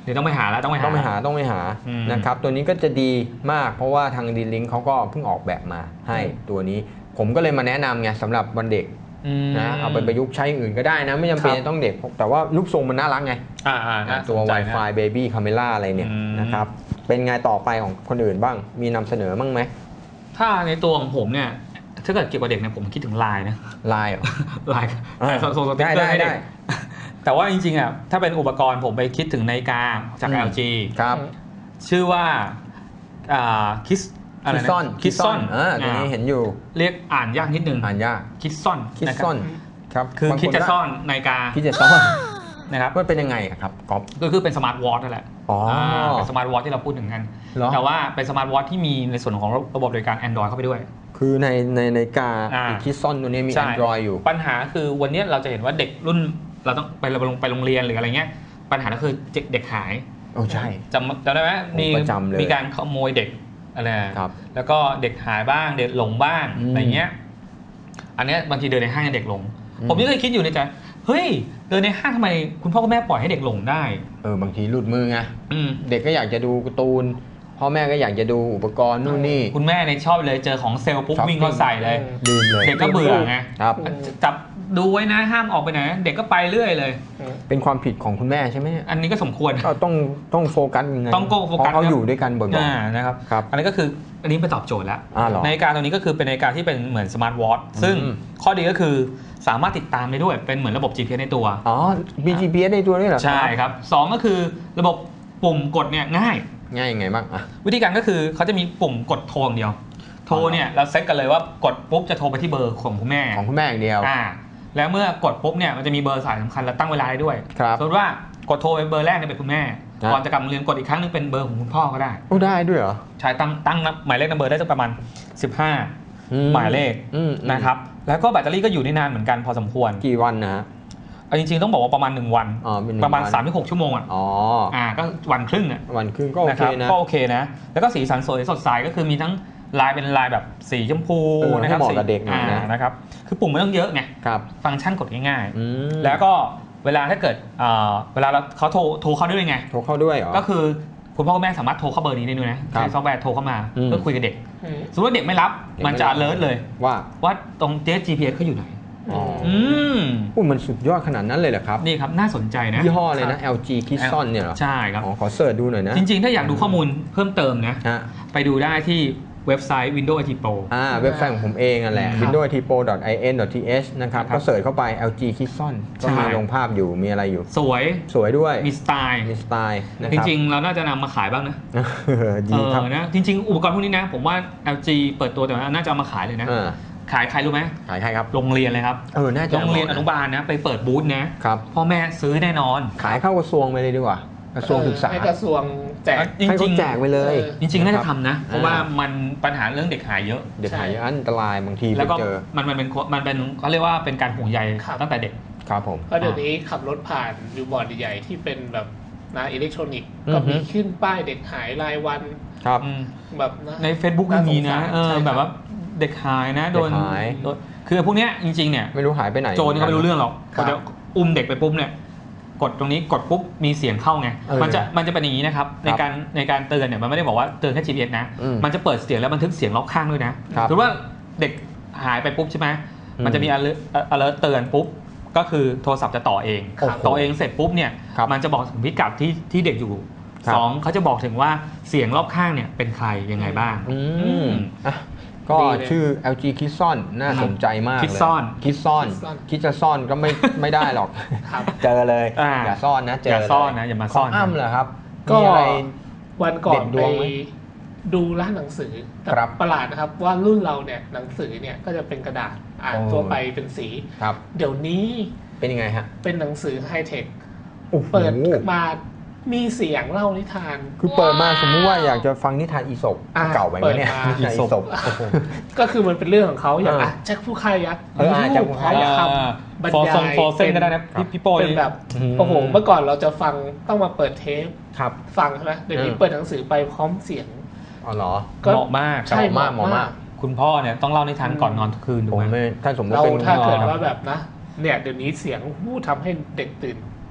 Speaker 2: ดี๋ยวต้องไปหาแล้วต้องไปหา
Speaker 1: ต้องไปหา
Speaker 2: อืม
Speaker 1: นะครับตัวนี้ก็จะดีมากเพราะว่าทางดีลิงเขาก็เพิ่งออกแบบมาให้ตัวนี้ ผมก็เลยมาแนะนำไงสำหรับวันเด็กนะเอาไปประยุกต์ใช้อื่นก็ได้นะไม่จำเป็นจะต้องเด็กแต่ว่ารูปทรงมันน่ารักไง ตัว Wi-Fi Baby Camera อะไรเนี่ยนะครับเป็นไงต่อไปของคนอื่นบ้างมีนำเสนอบ้างไหม
Speaker 2: ถ้าในตัวของผมเนี่ยถ้าเกิดเกี่ยวกับเด็กเนี่ยผมคิดถึงไลน์นะ
Speaker 1: ไลน์เหรอ
Speaker 2: ไลน์ส่งสติ๊กเกอร์ให้เด็กแต่ว่าจริงๆอ่ะถ้าเป็นอุปกรณ์ผมไปคิดถึงนาฬิกาจาก LG
Speaker 1: ครับ
Speaker 2: ชื่อว่าคิสอะไร
Speaker 1: คิ
Speaker 2: นะ
Speaker 1: ซอน
Speaker 2: คิสซอน
Speaker 1: ตัวนี้เห็นอยู่
Speaker 2: เรียกอ่านยากนิดนึง
Speaker 1: อ่านยาก
Speaker 2: คิสซอน
Speaker 1: คิดซ่อนครับ
Speaker 2: คือบ
Speaker 1: าง
Speaker 2: คิดจะ
Speaker 1: ก็
Speaker 2: ซ่อนนาฬิกา
Speaker 1: คิดจะซ่อน
Speaker 2: นะครับ
Speaker 1: มันเป็นยังไงอะครับก๊อฟ
Speaker 2: ก็คือเป็นสมาร์ทวอทนั่นแหละ
Speaker 1: อ๋อ
Speaker 2: เป็นสมาร์ทวอทที่เราพูดถึงกัน
Speaker 1: เหรอ
Speaker 2: แต่ว่าเป็นสมาร์ทวอทที่มีในส่วนของระบบบริการ Android เข้าไปด้วย
Speaker 1: คือในนาฬิกา
Speaker 2: อ่า
Speaker 1: คิดซ่อนตัวนี้มี
Speaker 2: ใช่
Speaker 1: Android อยู่
Speaker 2: ปัญหาคือวันนี้เราจะเห็นว่าเด็กรุ่นเราต้องไปโรงเรียนหรืออะไรเงี้ยปัญหาก็คือเด็กหาย
Speaker 1: โอ้ใช่
Speaker 2: จำได้ไหม
Speaker 1: ผมประจำเลย
Speaker 2: มีการขโมยเด็กอะไร
Speaker 1: ครับ
Speaker 2: แล้วก็เด็กหายบ้างเด็กหลงบ้าง
Speaker 1: อืม
Speaker 2: อะไรเงี้ยอันเนี้ยบางทีเดินในห้างเด็กหลง
Speaker 1: อืม
Speaker 2: ผมยังเคยคิดอยู่ในใจเฮ้ยเดินในห้างทำไมคุณพ่อคุณแม่ปล่อยให้เด็กหลงได้
Speaker 1: บางทีหลุดมือไง
Speaker 2: อืม
Speaker 1: เด็กก็อยากจะดูการ์ตูนพ่อแม่ก็อยากจะดูอุปกรณ์นู่นนี่
Speaker 2: คุณแม่เนี่ยชอบเลยเจอของเซลล์ปุ๊บ
Speaker 1: ช้อปปิ้
Speaker 2: วิ่
Speaker 1: ง
Speaker 2: งเข้าใส่เลย
Speaker 1: ลืมเลย
Speaker 2: เด็กก็เบื่อไง
Speaker 1: ครับ
Speaker 2: จับดูไว้นะห้ามออกไปไหนเด็กก็ไปเรื่อยเลย
Speaker 1: เป็นความผิดของคุณแม่ใช่ไหมเนี่ย
Speaker 2: อันนี้ก็สมควร
Speaker 1: ก็ต้องโฟกัสยังไง
Speaker 2: ต้องโฟกัส
Speaker 1: เพราะเขาอยู่ด้วยกันบ่อย
Speaker 2: นะครับ
Speaker 1: ครับ
Speaker 2: อันนี้ก็คืออันนี้เป็นตอบโจทย์แล้ว
Speaker 1: เหรอ
Speaker 2: นาฬิกาตัวนี้ก็คือเป็นนาฬิกาที่เป็นเหมือนสมาร์ทวอทซึ่ง
Speaker 1: อืม
Speaker 2: ข้อดีก็คือสามารถติดตามได้ด้วยเป็นเหมือนระบบ GPS ในตัว
Speaker 1: อ๋อมี GPS ในตัวด้วยเหรอ
Speaker 2: ใช่ครับสองก็คือระบบปุ่มกดเนี่ยง่าย
Speaker 1: ง่ายยังไงบ้างอ่ะ
Speaker 2: วิธีการก็คือเขาจะมีปุ่มกดโทรอย่างเดียว โทรเนี่ยเราเซ็ตกันเลยว่ากดปุ๊บจะโทรไปที่เบอร์ของคุณแม่
Speaker 1: ของคุณแม่อย่างเดียว
Speaker 2: แล้วเมื่อกดปุ๊บเนี่ยมันจะมีเบอร์สายสำคัญและตั้งเวลาได้ด้วย
Speaker 1: ครับ
Speaker 2: สมมติว่ากดโทรไปเบอร์แรกเนี่ยเป็นคุณแม่
Speaker 1: ครับ
Speaker 2: ก่อนจะกลับโรงเรียนกดอีกครั้งนึงเป็นเบอร์ของคุณพ่อก็ได้
Speaker 1: โอ้ได้ด้วยเหรอ
Speaker 2: ใช้ตั้งหมายเลขนัมเบอร์ได้สักประมาณ 15 หมายเลข นะครับแล้วก็แบตเตอรี่ก็อยู่ได้นานเหมือนกันพอสมควร
Speaker 1: กี่วันนะฮะ
Speaker 2: เอาจริงๆต้องบอกว่าประมาณ1วัน
Speaker 1: อ๋อเป็น1
Speaker 2: ประมาณ
Speaker 1: วัน
Speaker 2: 3-6 ชั่วโมงอ่ะ
Speaker 1: อ๋อ
Speaker 2: ก็วันครึ่งอ่ะ
Speaker 1: วันครึ่งก็โอเค
Speaker 2: รับ
Speaker 1: นะ
Speaker 2: ก็โอเคนะแล้วก็สีสันสวยสดใสก็คือมีทั้งลายเป็นลายแบบสีชมพู
Speaker 1: ให้
Speaker 2: นะครับ
Speaker 1: เหมาะกับเด็กหน่อยนะ
Speaker 2: นะครับคือปุ่มไม่ต้องเยอะไง
Speaker 1: ครับ
Speaker 2: ฟังก์ชันกดง่าย
Speaker 1: อืม
Speaker 2: ๆ แล้วก็เวลาถ้าเกิดเวลาเขาโทรเข้าด้วยไง
Speaker 1: โทรเข้าด้วยเหรอ
Speaker 2: ก็คือคุณพ่อคุณแม่สามารถโทรเข้าเบอร์นี้ได้ด้วยนะใช้ซอฟต์แวร์โทรเข้ามาเพื่อคุยกับเด็กสมมติว่าเด็กไม่รับมันจะ alert เลย
Speaker 1: ว่า
Speaker 2: ตรง GPS เขาอยู่ไหน
Speaker 1: อ๋อ
Speaker 2: ม
Speaker 1: อุ้ยมันสุดยอดขนาดนั้นเลยเหรอครับ
Speaker 2: นี่ครับน่าสนใจนะ
Speaker 1: ยี่ห้อเลยนะ LG Kison เนี่ยเหรอ
Speaker 2: ใช่ครับ
Speaker 1: อ๋อขอเสิร์ชดูหน่อยนะ
Speaker 2: จริงๆ ถ้าอยากดูข้อมูลเพิ่มเติมนะ
Speaker 1: ฮะ
Speaker 2: ไปดูได้ที่เว็บไซต์ Windows IT Pro
Speaker 1: เว็บไซต์ของผมเองนั่นแหละ
Speaker 2: ครับ
Speaker 1: windowsitpro.in.th นะครับ
Speaker 2: ครับ
Speaker 1: ก็เสิร์ชเข้าไป LG Kison ก็มี
Speaker 2: ใช่
Speaker 1: ลงภาพอยู่มีอะไรอยู่
Speaker 2: สวย
Speaker 1: สวยด้วย
Speaker 2: มีสไตล์
Speaker 1: มีสไตล์นะ
Speaker 2: จ
Speaker 1: ครับ
Speaker 2: ริงๆ เราน่าจะนำมาขายบ้างนะ
Speaker 1: ดีครับ
Speaker 2: นะจริงๆ อุปกรณ์พวกนี้นะ ผมว่า LG เปิดตัวแต่ว่าน่าจะเอามาขายเลยนะ ขายใครรู้ไหม
Speaker 1: ขายใครครับ
Speaker 2: โรงเรียนเลยครับ
Speaker 1: น่าจะ
Speaker 2: โรงเรียนอนุบาลนะ ไปเปิดบูธนะ
Speaker 1: ครับ
Speaker 2: พ่อแม่ซื้อแน่นอน
Speaker 1: ขายเข้ากระทรวงไปเลยดีกว่ากระทรวงศึกษา
Speaker 3: ให้กระทรวงแจก
Speaker 2: จริง
Speaker 1: ให้เขาแจกไปเลย
Speaker 2: จริงๆ น่าจะ
Speaker 1: ครับ
Speaker 2: ทำนะ เพราะว่ามันปัญหาเรื่องเด็กหายเยอะ
Speaker 1: เด็กหายอันตรายบางทีไป
Speaker 2: แล้วก็
Speaker 1: เจอ
Speaker 2: มันเป็นเขาเรียกว่าเป็นการห่วงใย
Speaker 3: ครับ
Speaker 2: ตั้งแต่เด็ก
Speaker 1: ครับผม
Speaker 3: เพราะเดี๋ยวนี้ขับรถผ่านบิลบอร์ดใหญ่ๆที่เป็นแบบนะอิเล็กทรอนิกส์
Speaker 1: อือฮึ
Speaker 3: ก็มีขึ้นป้ายเด็กหายรายวัน
Speaker 1: ครับ
Speaker 3: แบบนะ
Speaker 2: ใน Facebook ยังมีนะ
Speaker 3: น่าสงสารใช่ครับ
Speaker 2: แบบว่าเด็กหายนะโดน
Speaker 1: เด็กหาย
Speaker 2: คือพวกเนี้ยจริงๆเนี่ย
Speaker 1: ไม่รู้หายไปไหน
Speaker 2: โจรนี่เขาไม่รู้เรื่องหรอก
Speaker 3: ครับ
Speaker 2: พอจะอุ้มเด็กไปปุ๊บเนี่ยกดตรงนี้กดปุ๊บมีเสียงเข้าไง มันจะเป็นอย่างนี้นะครับในการเตือนเนี่ยมันไม่ได้บอกว่าเตือนแค่ GPS นะ มันจะเปิดเสียงแล้วบันทึกเสียงรอบข้างด้วยนะครับ ถือว่าเด็กหายไปปุ๊บใช่ไหมมันจะมี alert เตือนปุ๊บก็คือโทรศัพท์จะต่อเอง
Speaker 1: ครับ
Speaker 2: ต่อเองเสร็จปุ๊บเนี่ย
Speaker 1: ครับ
Speaker 2: มันจะบอกถึงพิกัดที่เด็กอยู่
Speaker 1: ครับ
Speaker 2: สองเขาจะบอกถึงว่าเสียงรอบข้างเนี่ยเป็นใครยังไงบ้าง
Speaker 1: อ่ะก็
Speaker 3: ดีเลย
Speaker 1: ชื่อ LG Kison น่าสนใจมากเลย
Speaker 2: Kison
Speaker 1: คิดซ่อน
Speaker 3: Kison
Speaker 1: คิดจะซ่อนก็ไม่ได้หรอก
Speaker 3: ครับ
Speaker 1: เจอเลย
Speaker 2: อ่า
Speaker 1: อย่าซ่อนนะเจอ
Speaker 2: อย่า
Speaker 1: เลย
Speaker 2: ซ่อนนะอย่ามาซ่อน
Speaker 1: ขงอ้ำเหรอครับ
Speaker 3: ก็
Speaker 1: มีอะไร
Speaker 3: วันก่อน
Speaker 1: เด็ดด
Speaker 3: ไป
Speaker 1: วงไหม
Speaker 3: ดูร้านหนังสือแต่
Speaker 1: ครับ
Speaker 3: ประหลาดนะครับว่ารุ่นเราเนี่ยหนังสือเนี่ยก็จะเป็นกระดาษอ่าน
Speaker 1: โอ้
Speaker 3: ตัวไปเป็นสี
Speaker 1: ครับ
Speaker 3: เดี๋ยวนี้
Speaker 1: เป็นยังไงฮะ
Speaker 3: เป็นหนังสือไฮเทค
Speaker 1: โอ้โห
Speaker 3: เปิดมามีเสียงเล่านิทาน
Speaker 1: คือเปิดมาสมมุติว่าอยากจะฟังนิทานอีสป
Speaker 3: อ่า
Speaker 1: เก่าไปไหมเนี่ย
Speaker 3: เปิดมา
Speaker 1: นิทานอีสป
Speaker 3: ก็คือมันเป็นเรื่องของเขาอย่าง
Speaker 1: เออ
Speaker 3: แจ็คผู้ฆ่ายักษ์
Speaker 1: แจ็คผู้ฆ่ายักษ์
Speaker 3: เขาทำบรรยาย
Speaker 2: ฟอร์เซนก็ได้นะพี่โป้
Speaker 3: เป็นแบบ
Speaker 1: อืม
Speaker 3: โอ้โหเมื่อก่อนเราจะฟังต้องมาเปิดเทป
Speaker 1: ครับ
Speaker 3: ฟังใช่ไหมเดี๋ยวนี้เปิดหนังสือไปพร้อมเสียง
Speaker 1: อ๋อเหรอ
Speaker 2: เหมาะมาก
Speaker 3: ใช่
Speaker 1: เหมาะมาก
Speaker 2: คุณพ่อเนี่ยต้องเล่านิทานก่อนนอนทุกคืนถู
Speaker 1: ผ
Speaker 2: ก
Speaker 1: ม
Speaker 2: ไหม
Speaker 1: ไม่ถ้าสมมติ
Speaker 3: เรา
Speaker 1: เป็น
Speaker 3: ถ้าเกิดว่าแบบนะเนี่ยเดี๋ยวนี้เสียงทำให้เด็กตื่น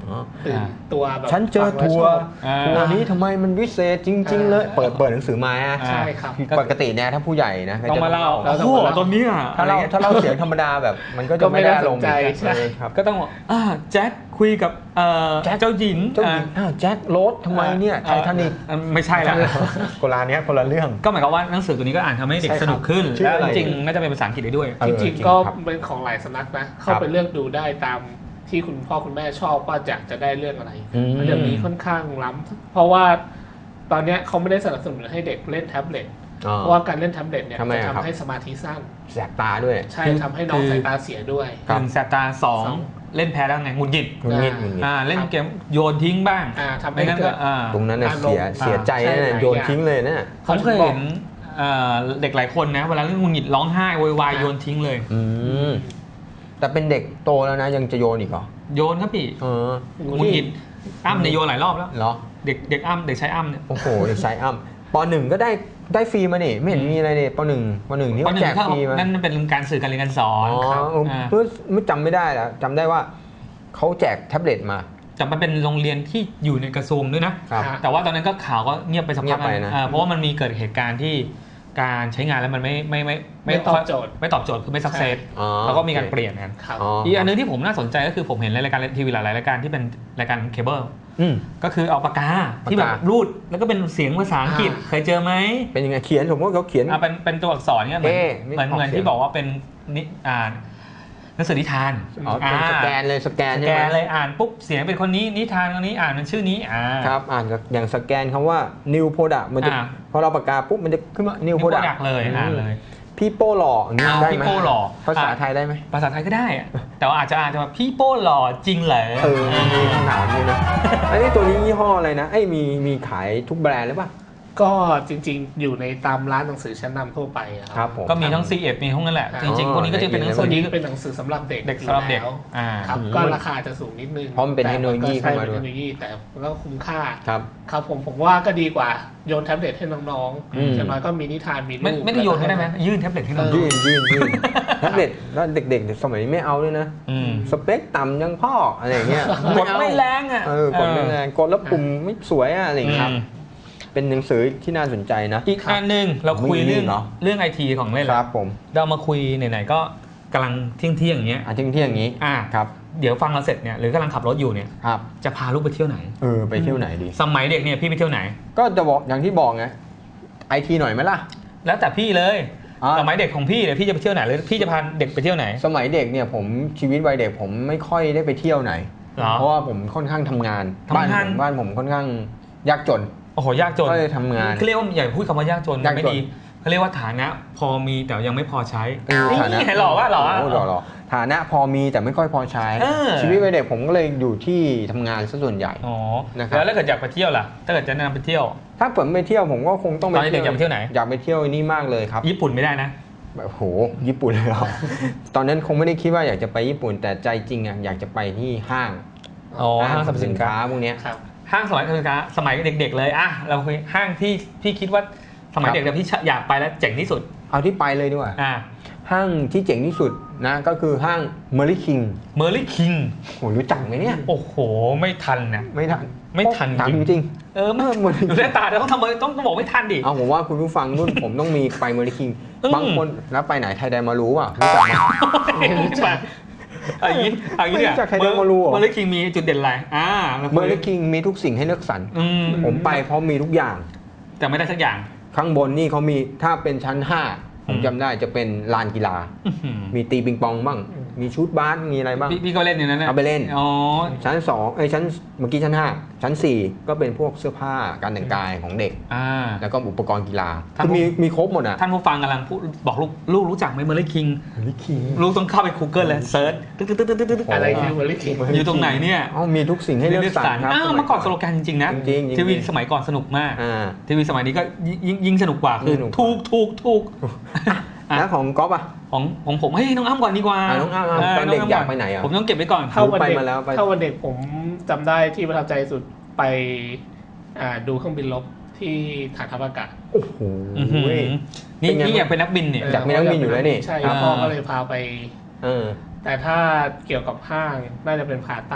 Speaker 3: ตื่นตัวแบบ
Speaker 1: ฉันเจอทัวร์
Speaker 3: ฟังแล้ชอบ
Speaker 1: นี้ทำไมมันวิเศษจริง ๆ เลย เปิดหนังสือมา
Speaker 3: ใช่ครับ
Speaker 1: ปกติเนี่ยถ้าผู้ใหญ่นะ
Speaker 2: ต้องมาเล่า
Speaker 3: แล้ว
Speaker 2: โอ้โหตอนนี้อ่ะ
Speaker 1: ถ้าเราเสียงธรรมดาแบบมันก็จะไม่ได้ลง
Speaker 3: ก็ไม่น่าสนใจใช่
Speaker 1: ครับ
Speaker 2: ก็ต้องบอกแจ็คคุยกับเจ้าหญิง
Speaker 1: เจ้าหญิงแจ็คโรสทำไมเนี่ยไททานิค
Speaker 2: ไม่ใช่ละ
Speaker 1: คนละเนี้ยคนละเรื่อง
Speaker 2: ก็หมายความว่าหนังสือตัวนี้ก็อ่านทำให้เด็ก
Speaker 3: ใช่ครับ
Speaker 2: สนุกขึ้น
Speaker 1: ชื่อ
Speaker 2: และ
Speaker 1: อะไร
Speaker 2: จริงๆน่าจะเป็นภาษาอังกฤษได้ด้วย
Speaker 1: เออ
Speaker 3: จริง
Speaker 1: จริง
Speaker 3: ๆก็
Speaker 1: ครับ
Speaker 3: เป็นของหลายสำนักนะ เข้าไปเลือกดูได้ตามที่คุณพ่อคุณแม่ชอบว่าจะได้เรื่องอะไร เรื่องนี้ค่อนข้างล้ำเพราะว่าตอนเนี้ยเขาไม่ได้สนับสนุนให้เด็กเล่นแท็บเล็ต เพราะว่าการเล่นแท็บเล็ตเนี่ย
Speaker 1: ทำไม
Speaker 3: จะ
Speaker 1: อะครับ
Speaker 3: ทำให้สมาธิสั้น
Speaker 1: แสบตาด้วย
Speaker 3: ใช่ทำให้น้องสายตาเสียด้วย
Speaker 1: ครับ
Speaker 2: 1แสบตา
Speaker 3: สอง
Speaker 2: 2เล่นแพ้แล้วไงหงุดหงิด
Speaker 1: หงุดหงิดหงุดหงิด
Speaker 2: เล่นเกมโยนทิ้งบ้าง
Speaker 3: ทำให้
Speaker 2: ไม่งั้น
Speaker 3: เกิ
Speaker 2: ก็
Speaker 3: ด
Speaker 1: ตรงนั้นน่ะ
Speaker 3: อารมณ์
Speaker 1: เสียใจ
Speaker 3: ใช่
Speaker 1: นะ
Speaker 3: หลาย
Speaker 1: โยน
Speaker 3: อย่าง
Speaker 1: ทิ้งเลยนะ
Speaker 2: ผมเคยเห็นเด็กหลายคนนะเวลาเล่นหงุดหงิดร้องไห้โวยวายโยนทิ้งเลย
Speaker 1: แต่เป็นเด็กโตแล้วนะยังจะโยนอีกเหรอ
Speaker 2: โยนครับพี่ หงุดหงิดอ้ำเนี่ยโยนหลายรอบแล้ว
Speaker 1: เหรอ
Speaker 2: เด็กอ้ำเด็กชายอ้ำเนี่ย
Speaker 1: โอ้โหเด็กชายอ้ำป .1 ก็ได้ฟรีมานี่ไม่เห็นมีอะไรเลยป .1 นี่
Speaker 2: เพราะ
Speaker 1: เขา
Speaker 2: หนึ่
Speaker 1: แจ
Speaker 2: ง
Speaker 1: ก
Speaker 2: ถ้า
Speaker 1: ฟรีมา
Speaker 2: นั่นเป็นการสื่อการเรียนการสอน
Speaker 1: อ๋อ
Speaker 2: ครับ
Speaker 1: เพื่อไม่จำไม่ได้แล้วจำได้ว่าเขาแจกแท็บเล็ตมา
Speaker 2: จะมาเป็นโรงเรียนที่อยู่ในกระทรวงด้วยนะ
Speaker 1: ครับ
Speaker 2: แต่ว่าตอนนั้นก็ข่าวก็เงียบไปสัก
Speaker 1: เงี
Speaker 2: พั
Speaker 1: ย
Speaker 2: ก
Speaker 1: บไปนะ
Speaker 2: เพราะว่ามันมีเกิดเหตุการณ์ที่การใช้งานแล้วมันไม่
Speaker 3: ตอบโจทย์
Speaker 2: ไม่ตอบโจทย์คือไม่สักเซส
Speaker 1: อ๋อ
Speaker 2: แล้วก็มีการเปลี่ยนกัน
Speaker 3: ครับ
Speaker 2: อีกอันนึงที่ผมน่าสนใจก็คือผมเห็นในรายการทีวีหลายรายการที่เป็นรายการเคเบิล
Speaker 1: อืม
Speaker 2: ก็คือเอาปากกาที่แบบ
Speaker 1: ปากกา
Speaker 2: รูดแล้วก็เป็นเสียงภาษาอังกฤษเคยเจอไหม
Speaker 1: เป็นยังไงเขียนสมมติเขาเขียน
Speaker 2: เป็นตัวอักษรเนี่ยเหมือน
Speaker 1: นี่
Speaker 2: เหมือน
Speaker 1: ออก
Speaker 2: เหมือน
Speaker 1: เสียง
Speaker 2: ที่บอกว่าเป็นนิหนังสือนิทาน
Speaker 1: อ๋อเป็นสแกนเลยสแกน
Speaker 2: ส
Speaker 1: ใช่
Speaker 2: แก
Speaker 1: ไหม
Speaker 2: นเลยอ่านปุ๊บเสียงเป็นคนนี้นิทานคนนี้อ่านเป็นชื่อนี้
Speaker 1: ครับอ่านอย่างสแกนคำว่า new product มันจะพอเราปากกาปุ๊บมันจะขึ้นมา new
Speaker 2: นิวโปร
Speaker 1: product
Speaker 2: ดักเลยอ่านเลย
Speaker 1: พี่โป้หล่ออย่างนี้ได้ไหม
Speaker 2: พี่โป้หล่อ
Speaker 1: ภาษาไทยได้ไหม
Speaker 2: ภาษาไทยก็ได้อะแต่ว่าอาจจะอ่านว่าพี่โป้หล่อจริงเหรอ
Speaker 1: มีคำถามด้วยนะอันนี้ตัวนี้ยี่ห้ออะไรนะมีขายทุกแบรนด์หรือเปล่า
Speaker 3: ก็จริงๆอยู่ในตามร้านหนังสือชั้นนำทั่วไปอะ
Speaker 1: ครับผม
Speaker 2: ก็มีทั้ง C1 มีทั้งนั้นแหละ จริงๆพวกนี้ก็จะเป็นหนัง
Speaker 3: ส่
Speaker 2: สื
Speaker 3: วน
Speaker 2: อ
Speaker 3: นี้
Speaker 2: ที่
Speaker 3: เป็นหนังสือสำหรับเด็ก
Speaker 2: เด็กสำหรับเด็ก
Speaker 3: อยู่แล้ว ครับ
Speaker 1: อืม
Speaker 3: ก็ราคาจะสูงนิดนึง
Speaker 1: เพราะมันเป็นเทคโนโลยี
Speaker 3: แต่
Speaker 1: เข้ามา
Speaker 3: ก็
Speaker 1: ด้วย
Speaker 3: ใช่เป็นเทคโนโลยีแต่มันก็คุ้มค่า
Speaker 1: ครับ
Speaker 3: ครับผมว่าก็ดีกว่าโยนแท็บเล็ตให้น้อง
Speaker 1: อืม
Speaker 3: ๆอย่างน้อยก็มีนิทานมีรูป
Speaker 2: ไม่ได้โยนให้ได้ไหมยื่นแท็บเล็ตให้เรา
Speaker 1: ยื่นแท็บเล็ตแล้วเด็กๆสมัยนี้ไม่เอาด้วยนะ
Speaker 2: อืม
Speaker 1: สเปคต่ำยังพ่ออะไรอย่างเงี้ย
Speaker 2: กดไม่แรงอ่ะ
Speaker 1: กดไม่แรงกดแล้วปุ่มไม่สวยอะไรอย่างเงี้ย
Speaker 2: อืม
Speaker 1: เป็นหนังสือที่น่าสนใจนะ
Speaker 2: อีกอันหนึ่งเราคุย
Speaker 1: มี
Speaker 2: เรื่อง
Speaker 1: เหรอ
Speaker 2: เรื่องไอทีของเล่น
Speaker 1: ค
Speaker 2: แล้
Speaker 1: รั
Speaker 2: ว
Speaker 1: บผม
Speaker 2: เรามาคุยไหนๆก็กำลังเที่ยงอย่างเงี้ย
Speaker 1: เที่ยงอย่างนี้ ครับ
Speaker 2: เดี๋ยวฟังเราเสร็จเนี่ยหรือกำลังขับรถอยู่เนี่ย
Speaker 1: ครับ
Speaker 2: จะพาลูกไปเที่ยวไหน
Speaker 1: ไปเที่ยวไหนดี
Speaker 2: สมัยเด็กเนี่ยพี่ไปเที่ยวไหน
Speaker 1: ก็จะบอกอย่างที่บอกไงไอทีหน่อยไหมล่ะ
Speaker 2: แล้วแต่พี่เลย
Speaker 1: อ่า
Speaker 2: สมัยเด็กของพี่เนี่ยพี่จะไปเที่ยวไหนหรือพี่จะพาเด็กไปเที่ยวไหน
Speaker 1: สมัยเด็กเนี่ยผมชีวิตวัยเด็กผมไม่ค่อยได้ไปเที่ยวไหน
Speaker 2: หรอ
Speaker 1: เพราะว่าผมค่อนข้างทำงาน
Speaker 2: ทำงาน
Speaker 1: บ้านผมค่อนข้างยากจน
Speaker 2: โอ้โหยากจน
Speaker 1: ก็เลยทำงาน
Speaker 2: เขาเรียกว่าอย่าพูดคำว่ายากจน
Speaker 1: ยากจน
Speaker 2: ไม่ดีเขาเรียกว่าฐานะพอมีแต่ยังไม่พอใช้
Speaker 1: ฐานะ
Speaker 2: นี่หล่อวะหล่อวะ
Speaker 1: โหล่อฐานะพอมีแต่ไม่ค่อยพอใช้
Speaker 2: เออ
Speaker 1: ชีวิตวัยเด็กผมก็เลยอยู่ที่ทำงานซะส่วนใหญ่
Speaker 2: อ๋อ
Speaker 1: นะครับ
Speaker 2: แล้วถ้าเกิดอยากไปเที่ยวล่ะถ้าเกิดจะแนะนำไปเที่ยว
Speaker 1: ถ้าผมไปเที่ยวผมก็คงต้องไป
Speaker 2: ตอนนี้เด็กอยากไปเที่ยวไหน
Speaker 1: อยากไปเที่ยวนี่มากเลยครับ
Speaker 2: ญี่ปุ่นไม่ได้นะ
Speaker 1: แบบโหญี่ปุ่นเลยเหรอ ตอนนั้นคงไม่ได้คิดว่าอยากจะไปญี่ปุ่นแต่ใจจริงอ่ะอยากจะไปที่ห้าง
Speaker 2: อ๋อห้างสรรพสินค้า
Speaker 1: พวกเนี้ย
Speaker 3: ครับ
Speaker 2: ห้างสมัยสมัยเด็กๆเลยอะเราคุยห้างที่พี่คิดว่าสมัย
Speaker 1: ครับ
Speaker 2: เด็กแต่พี่อยากไปแล้วเจ๋งที่สุด
Speaker 1: เอาที่ไปเลยดีกว่า
Speaker 2: อ่า
Speaker 1: ห้างที่เจ๋งที่สุดนะก็คือห้างเมอร์ลี่คิง
Speaker 2: เมอร์ลี่คิง
Speaker 1: โหรู้จักไหมเนี่ย
Speaker 2: โอ้โหไม่ทันนะ
Speaker 1: ไม่ทัน
Speaker 2: ไม่ทัน
Speaker 1: ถามจริง
Speaker 2: เออไม่ดูหน้าตาแต่ต้องทำต้องบอกไม่ทันดิ
Speaker 1: ๆเอาผมว่าคุณผู้ฟังรุ่นผมต้องมีไปเมอร์ลี่คิง
Speaker 2: อืม
Speaker 1: บางคนแล้วไปไหนไทยแดนมารู้ป่ะรู้จักไหม
Speaker 2: ไม่รู้จักอย่างนี้เนี่ย
Speaker 1: ไม่รู้จักใครเดินมารู้เหรอ
Speaker 2: เมอร์ลี่คิงมีจุดเด่นอะไร
Speaker 1: เมอร์ลี่คิงมีทุกสิ่งให้เลือกสรร
Speaker 2: อืม
Speaker 1: ผมไปเพราะมีทุกอย่าง
Speaker 2: แต่ไม่ได้สักอย่าง
Speaker 1: ข้างบนนี่เขามีถ้าเป็นชั้น 5 ผมจำได้จะเป็นลานกีฬา มีตีปิงปองบ้าง มีชุดบาสมีอะไรบ้าง
Speaker 2: พี่ก็เล่นอย่างนั้นนะ
Speaker 1: เอาไปเล่น
Speaker 2: อ๋อ
Speaker 1: ชั้นชั้นเมื่อกี้ชั้น 5 ชั้น 4 ก็เป็นพวกเสื้อผ้าการแต่งกายของเด็ก แล้วก็อุปกรณ์กีฬา
Speaker 2: ท่าน
Speaker 1: คือมีครบหมดอ่ะ
Speaker 2: ท่านผู้ฟังกำลังพูดบอกลูกรู้จักไหมเมอร์ลี่คิง
Speaker 1: เมอร์ลี่คิง
Speaker 2: ลูกต้องเข้าไป Google เลยเซิร์ชตึ๊ดๆๆๆ
Speaker 3: อะไรคือเวอร์ลี่คิง
Speaker 2: อยู่ตรงไหนเนี่ย
Speaker 1: มีทุกสิ่งให้เลือกสรรครับ
Speaker 2: เมื่อก่อนสโลแกนจริงๆนะ
Speaker 1: จริงๆ
Speaker 2: ทีวีสมัยก่อนสนุกมาก ทีวีสมัยนี้ก็ยิ่งสนุกกว่าคือ
Speaker 1: สนุก
Speaker 2: ถูก
Speaker 1: แล้วของก๊อฟอ่ะ
Speaker 2: ของผมเฮ้ยน้องอ้ำก่อนดีกว่า
Speaker 1: น้องอ้ำตอนเด็กอยากไปไหนอ่ะ
Speaker 2: ผมต้องเก็บไว้ก่อน
Speaker 3: ถ้าวัน
Speaker 1: ไป
Speaker 3: เด็ก
Speaker 1: มาแล้วไป
Speaker 3: ถ้าวันเด็กผมจำได้ที่ประทับใจสุดไปดูเครื่องบินรบที่ฐานทัพอากาศ
Speaker 1: โอ้โห
Speaker 2: นี่อยากเป็นนักบินเนี่ย
Speaker 1: อยากเป็นนักบินอยู่แล้วนี่
Speaker 3: ใช่
Speaker 2: อ่า
Speaker 3: พ่อก็เลยพาไป
Speaker 1: เออ
Speaker 3: แต่ถ้าเกี่ยวกับห้างน่าจะเป็นพาต้า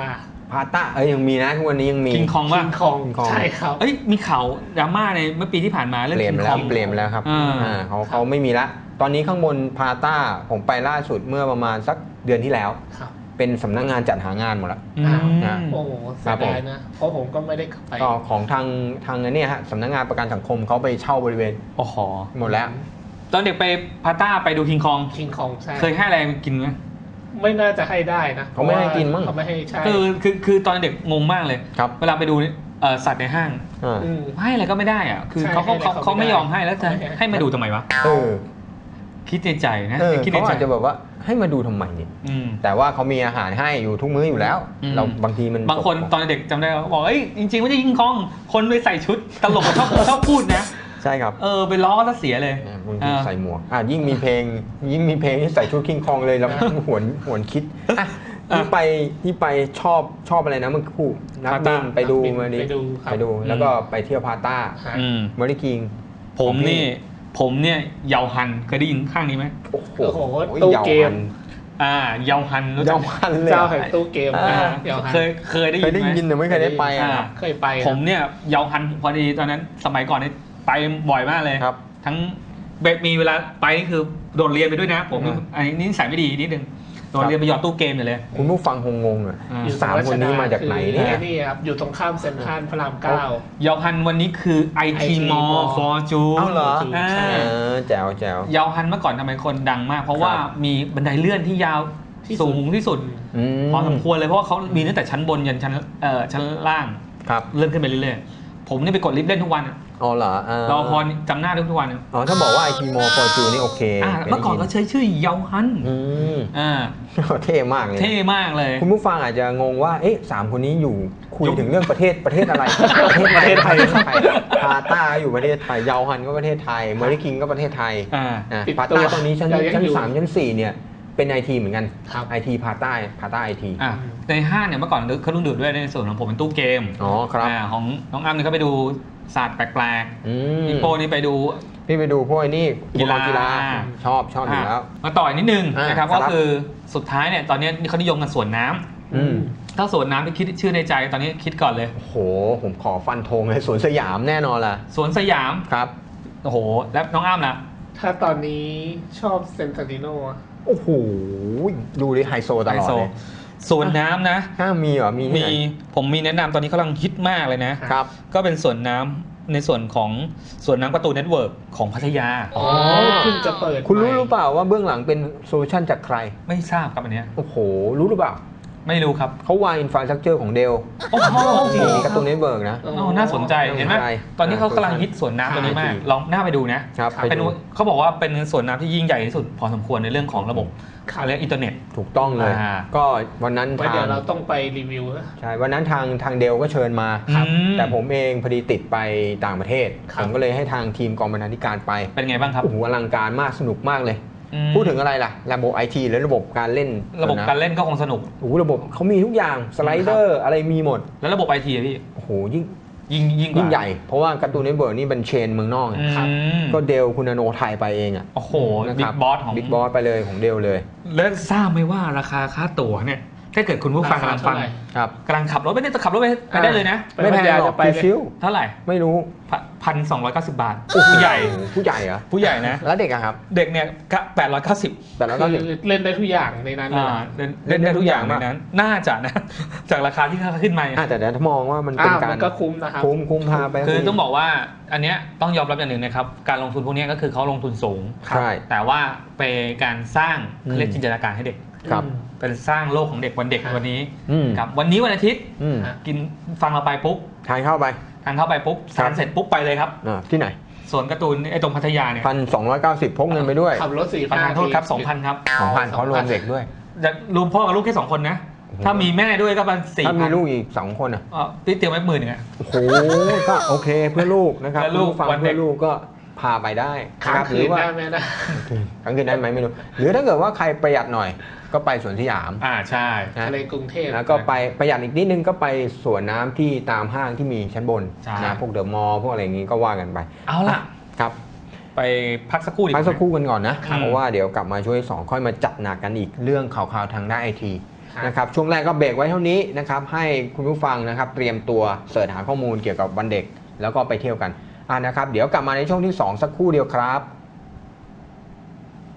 Speaker 1: พาต้ายังมีนะทุกวันนี้ยังมี
Speaker 2: คิงคองว่า
Speaker 3: คิงคองใช่ครับ
Speaker 2: เอ้ยมีข่าวดราม่าในเมื่อปีที่ผ่านมาเรื่อง
Speaker 1: เปลี่ยน
Speaker 2: คิ
Speaker 1: ไป
Speaker 2: งค
Speaker 1: แล้
Speaker 2: อ
Speaker 1: ว
Speaker 2: ง
Speaker 1: เปลี่ยนไปแล้วครับ เขาไม่มีละตอนนี้ข้างบนพาต้าผมไปล่าสุดเมื่อประมาณสักเดือนที่แล้ว
Speaker 3: ครับ
Speaker 1: เป็นสำนักงานจัดหางานหมดแล้ว
Speaker 2: อืม
Speaker 1: นะ
Speaker 3: โอ้โหเสียดายนะ เพราะผมก็ไม่ได้ไป
Speaker 1: ก็ของทางเนี่ยฮะสำนักงานประกันสังคมเขาไปเช่าบริเวณ
Speaker 2: โอ้โห
Speaker 1: หมดแล้ว
Speaker 2: ตอนเด็กไปพาต้าไปดูคิงคอง
Speaker 3: คิงคองใช่
Speaker 2: เคยให้อะไรมันกินไหม
Speaker 3: ไม่น่าจะให้ได้นะ
Speaker 1: เขาไม่ให้กินมั้ง
Speaker 3: เขาไม่ให้ใช่
Speaker 2: คือตอนเด็กงงมากเลย
Speaker 1: ครับ
Speaker 2: เวลาไปดูสัตว์ในห้าง
Speaker 1: อ่า
Speaker 3: อืม
Speaker 2: ให้อะไรก็ไม่ได้อะคือ
Speaker 3: ใช่
Speaker 2: เขา
Speaker 3: ให้อะไรก็
Speaker 2: เขา
Speaker 3: ไม่
Speaker 2: ไม่
Speaker 3: ได้
Speaker 2: ยอมให้แล้วจะ
Speaker 3: เขาไม่ให้
Speaker 2: ให้มาดูทำไมวะ
Speaker 1: เออ
Speaker 2: คิดในใจนะ คิดใน
Speaker 1: เขา
Speaker 2: ใจ
Speaker 1: อาจจะแบบว่าให้มาดูทำไมเนี่ย
Speaker 2: อืม
Speaker 1: แต่ว่าเขามีอาหารให้อยู่ทุกมื้ออยู่แล้ว
Speaker 2: อืม
Speaker 1: เราบางทีมัน
Speaker 2: บางคนตอนเด็กจำได้ว่าบอกเอ้ยจริงๆไม่ใช่คิงคอง คนไปใส่ชุดตลกชอบพูดนะ
Speaker 1: ใช่ครับ
Speaker 2: ไปล้อก็เสียเลย
Speaker 1: บางทีใส่หมวกยิ่งมีเพลงที่ใส่ชุดคิงคองเลยเราหวนคิดที่ไปชอบอะไรนะเมื่อคู่นักบินไปดูมาดิ
Speaker 3: ไปดูครับ
Speaker 1: ไปดูแล้วก็ไปเที่ยวพาต้า
Speaker 3: ฮะ
Speaker 2: อืม
Speaker 1: เมอริคิง
Speaker 2: ผมเนี่ยเยาฮันเคยได้ยินข้างนี้ไหม
Speaker 1: โอ้โห
Speaker 3: โอ้โหตู้เกม
Speaker 2: เยาฮันรู้จั
Speaker 1: เยาก ฮันเลย
Speaker 3: เจ้าแห่งตู้เกม
Speaker 2: อ่า
Speaker 3: เดี๋ยวฮะ
Speaker 2: เคยได้
Speaker 1: เค
Speaker 2: ยิ
Speaker 1: ย
Speaker 2: น
Speaker 1: ได้
Speaker 2: ไหม
Speaker 1: ยินแต่ไม่เคยได้ไป
Speaker 2: อ่า
Speaker 1: ครับ
Speaker 3: เคยไป
Speaker 2: ผมเนี่ยเยาฮันพอดีตอนนั้นสมัยก่อนเนี่ยไปบ่อยมากเลย
Speaker 1: ครับ
Speaker 2: ทั้งมีเวลาไปนี่คือโดดเรียนไปด้วยนะ ผม
Speaker 1: อืม
Speaker 2: อันนี้นิสัยไม่ดีนิดนึงโดดเรียนไปหยอดตู้เกมอยู่เลย
Speaker 1: คุณผู้ฟังคงงงอ่ะ
Speaker 2: อ่า
Speaker 3: อยู่
Speaker 1: สามคนนี้มาจากไหนเนี่ย
Speaker 3: นี่ครับอยู่ตรงข้ามเซ็นทรัลพระรามเก้า
Speaker 2: เยาฮันวันนี้คือ IT
Speaker 3: IT
Speaker 2: Mall
Speaker 3: Mall
Speaker 2: Fortune
Speaker 1: เอาเหรอ
Speaker 2: อ่า
Speaker 3: ใช่
Speaker 1: แจ๋ว
Speaker 2: เยาฮันเมื่อก่อนทำไมคนดังมาก เพราะว่า
Speaker 1: ครับ
Speaker 2: มีบันไดเลื่อนที่ยาว
Speaker 3: ที่สุด
Speaker 2: สูงที่สุด พอสมควรเลยเพราะว่าเขามีตั้งแต่ชั้นบนยันชั้นล่าง
Speaker 1: ครับ
Speaker 2: เลื่อนขึ้นไปเรื่อยๆผมนี่ไปกดลิฟต์เล่นทุกวันอะ
Speaker 1: อ๋อเหรอ
Speaker 2: รอพอจำหน้าได้ทุกวันอะ
Speaker 1: อ๋อถ้าบอกว่าไอทีมอฟอร์จูนี่โอเค
Speaker 2: เมื่อก่อนก็ใช้ชื่อเยาฮัน
Speaker 1: อืม
Speaker 2: อ่า
Speaker 1: เท่มากเลย
Speaker 2: เท่มากเลย
Speaker 1: คุณผู้ฟังอาจจะงงว่าสามคนนี้อยู่คุยถึงเรื่องประเทศอะไร
Speaker 2: ประเทศไทย
Speaker 1: พาต้าอยู่ประเทศไทยเยาฮันก็ประเทศไทยเมอริคิงก็ประเทศไทย
Speaker 2: อ่า
Speaker 3: ปิด
Speaker 1: พา
Speaker 3: ตัว
Speaker 1: ต้าตอนนี้ชั้น
Speaker 3: ยังอยู่
Speaker 1: 3ชั้น4เนี่ยเป็นไอทีเหมือนกัน
Speaker 3: ครับ
Speaker 1: ไอทีพาต้าไอที
Speaker 2: อ่ะในห้างเนี่ยเมื่อก่อนเขาต้องดูดด้วยในส่วนของผมเป็นตู้เกม
Speaker 1: อ๋อครับ
Speaker 2: ของน้องอ้ำเนี่ยก็ไปดูศาสตร์แปลก
Speaker 1: อืม
Speaker 2: ๆพี่โป้นี่ไปดู
Speaker 1: พี่ไปดูพวกไอ้นี่
Speaker 2: กีฬา
Speaker 1: ชอบอยู่แล้ว
Speaker 2: มาต่ออีกนิดนึงนะครับ
Speaker 1: ครับ
Speaker 2: ก็คือสุดท้ายเนี่ยตอนนี้เขานิยมกันสวนน้ำ
Speaker 1: อืม
Speaker 2: ถ้าสวนน้ำที่คิดชื่อในใจตอนนี้คิดก่อนเลย
Speaker 1: โอ้โหผมขอฟันธงเลยสวนสยามแน่นอนล่ะ
Speaker 2: สวนสยาม
Speaker 1: ครับ
Speaker 2: โอ้โหแล้วน้องอ้ำล่ะ
Speaker 3: ถ้าตอนนี้ชอบเซนต์ติโน
Speaker 1: โอ้โหดูดิไฮโซตลอดเลย
Speaker 2: สวนน้ำนะ
Speaker 1: ถ้ามีเหรอมีที่ไหน
Speaker 2: ผมมีแนะนำตอนนี้กำลังฮิตมากเลยนะ
Speaker 1: ครับ
Speaker 2: ก็เป็นสวนน้ำในส่วนของสวนน้ำการ์ตูนเน็ตเวิร์กของพัทยา
Speaker 3: อ๋อเพิ่งจะเปิด
Speaker 1: คุณรู้
Speaker 3: ใหม่
Speaker 1: หรือเปล่าว่าเบื้องหลังเป็นโซลูชันจากใคร
Speaker 2: ไม่ทราบครับอันเนี้ย
Speaker 1: โอ้โห รู้หรือเปล่า
Speaker 2: ไม่รู้ครับ
Speaker 1: เขาวางอินฟราสตรักเจอร์ของเดล
Speaker 2: โอ้โห
Speaker 1: มีการ์ตูนเน็ตเวิร์กนะ
Speaker 2: อ๋อน่าสนใจเห็นไหม
Speaker 1: น่าสนใจ
Speaker 2: ตอนนี้เขากำลังฮิตสวนน้ำตัวนี้มากลองหน้าไปดูนะครับ
Speaker 1: ไป
Speaker 2: เป็น
Speaker 1: ดู
Speaker 2: เขาบอกว่าเป็นสวนน้ำที่ยิ่งใหญ่ที่สุดพอสมควรในเรื่องของระบบอะไรอินเทอร์เน็ต
Speaker 1: ถูกต้องเลย
Speaker 2: อ่า
Speaker 1: ก็วันนั้น
Speaker 3: ไว้เดี๋ยวเราต้องไปรีวิวนะ
Speaker 1: ใช่วันนั้นทางเดลก็เชิญมา
Speaker 2: ครับ
Speaker 1: แต่ผมเองพอดีติดไปต่างประเทศ
Speaker 3: ครับ
Speaker 1: ผมก็เลยให้ทางทีมกองบรรณาธิการไป
Speaker 2: เป็นไงบ้างครับ
Speaker 1: โอ้โหอลังการมากสนุกมากเลย
Speaker 2: อืม
Speaker 1: พูดถึงอะไรล่ะ ระบบไอทีหรือระบบการเล่น
Speaker 2: ระบบการเล่นก็คงสนุก
Speaker 1: โอ้โหระบบเขามีทุกอย่างสไลเดอร์อะไรมีหมด
Speaker 2: แล้วระบบไอทีพี่
Speaker 1: โอ้โหยิ่ง
Speaker 2: ยิ่งกว่า
Speaker 1: ใหญ่ เพราะว่าการ์ตูนเน็ตเวิร์กนี่เป็นเชนเมืองนอกไง
Speaker 2: อืม
Speaker 1: ก็เดลคุณอโนไทยไปเองอ่ะ
Speaker 2: โอ้โห
Speaker 1: นะค
Speaker 2: บิ๊
Speaker 1: รั
Speaker 2: กบอสของ
Speaker 1: บิ๊กบอสไปเลยของเดลเลย
Speaker 2: แล้วทราบไหมว่าราคาค่าตั๋วเนี่ยถ้าเกิดคุณผู้ฟังกำลังฟัง
Speaker 1: ครับ
Speaker 2: กำลังขับรถไปเนี่ยจะขับรถไปได้เลยนะ
Speaker 3: ไปพัทยาจะไปเลย
Speaker 1: ชิว
Speaker 2: เท่าไหร่
Speaker 1: ๆไม่รู้
Speaker 2: 1,290 บาทผู้ใหญ่
Speaker 1: ผู้ใหญ่เหรอ
Speaker 2: ผู้ใหญ่นะ
Speaker 1: แล้วเด็กอะครับ
Speaker 2: เด็กเนี่ย890
Speaker 1: แต่แล้วก็
Speaker 3: คือเล่นได้ทุกอย่างในนั้นเลย
Speaker 2: เล่นได้ทุกอย่างในนั้น น่าจะนะ จากราคาที่ขึ้นมา
Speaker 1: แต่เดี๋ยวถ้ามองว่ามันเป็นการ
Speaker 3: มันก็คุ้มนะครับ
Speaker 1: คุ้มพาไป
Speaker 2: คือต้องบอกว่าอันเนี้ยต้องยอมรับอย่างหนึ่งนะครับ การลงทุนพวกเนี้ยก็คือเขาลงทุนสูง
Speaker 1: ใช่
Speaker 2: แต่ว่าเป็นการสร้าง
Speaker 1: อืม
Speaker 2: เรียกจินตนาการให้เด็ก
Speaker 1: ครับ
Speaker 2: เป็นสร้างโลกของเด็กวันเด็กวันนี้
Speaker 1: อืม
Speaker 2: ครับวันนี้วันอาทิตย์
Speaker 1: อืม
Speaker 2: กินฟังเราไปปุ๊บ
Speaker 1: ทานเข้าไป
Speaker 2: ทานเข้าไปปุ๊บสารเสร็จปุ๊บไปเลยครับ
Speaker 1: ที่ไหน
Speaker 2: สวนการ์ตูนไอ้ตรงพัทยาเนี่ย
Speaker 1: 1,290พกเงินไปด้วย
Speaker 3: ขับรถ4
Speaker 2: ประธานโทษครับ 2,000 ครับ
Speaker 1: 2,000เขารวมเด็กด้วย
Speaker 2: จะรวมพ่อกับลูกแค่ 2 คนนะ
Speaker 1: โอ้โห
Speaker 2: ถ้ามีแม่ด้วยก็ประมาณ4,000
Speaker 1: ถ้ามีลูกอีก2คนอ่ะ
Speaker 2: พี่เตรียมไว้10,000อ่ะ
Speaker 1: โอ้โหก็โอเคเพื่อลูกนะครับ
Speaker 2: เพื่อลูก
Speaker 1: คุณผู้ฟัง
Speaker 2: วันเด็ก
Speaker 1: เพื่อลูกก็พาไปได้
Speaker 3: ค้าง
Speaker 1: รับ
Speaker 3: คื
Speaker 1: หรื
Speaker 3: น
Speaker 1: ว่า
Speaker 3: ได้ไหมนะ
Speaker 1: ค้างคืนได้ไหมไม่รู้หรือถ้าเกิดว่าใครประหยัดหน่อยก็ไปสวนสยาม
Speaker 2: ใช่
Speaker 1: นะ
Speaker 3: ทะเลกรุงเทพ
Speaker 1: แล้วก็ไปประหยัดอีกนิดนึงก็ไปสวนน้ำที่ตามห้างที่มีชั้นบน
Speaker 2: ใช่
Speaker 1: นะพวกเดอะมอลล์พวกอะไรอย่างงี้ก็ว่ากันไป
Speaker 2: เอาล่ะ
Speaker 1: ครับ
Speaker 2: ไปพักสักครู่ดีก
Speaker 1: พั
Speaker 2: ว่า
Speaker 1: กสักครู่กันก่อนนะ
Speaker 2: ครับ
Speaker 1: เพราะว่าเดี๋ยวกลับมาช่วย2ค่อยมาจัดหนักกันอีกเรื่องข่าวๆทางด้านไอทีนะครับช่วงแรกก็เบรกไว้เท่านี้นะครับให้คุณผู้ฟังนะครับเตรียมตัวเสิร์ชหาข้อมูลเกี่ยวกับวันเด็กแล้วก็ไปเที่ยวกันนะครับเดี๋ยวกลับมาในช่วงที่ 2 สักครู่เดียวครับ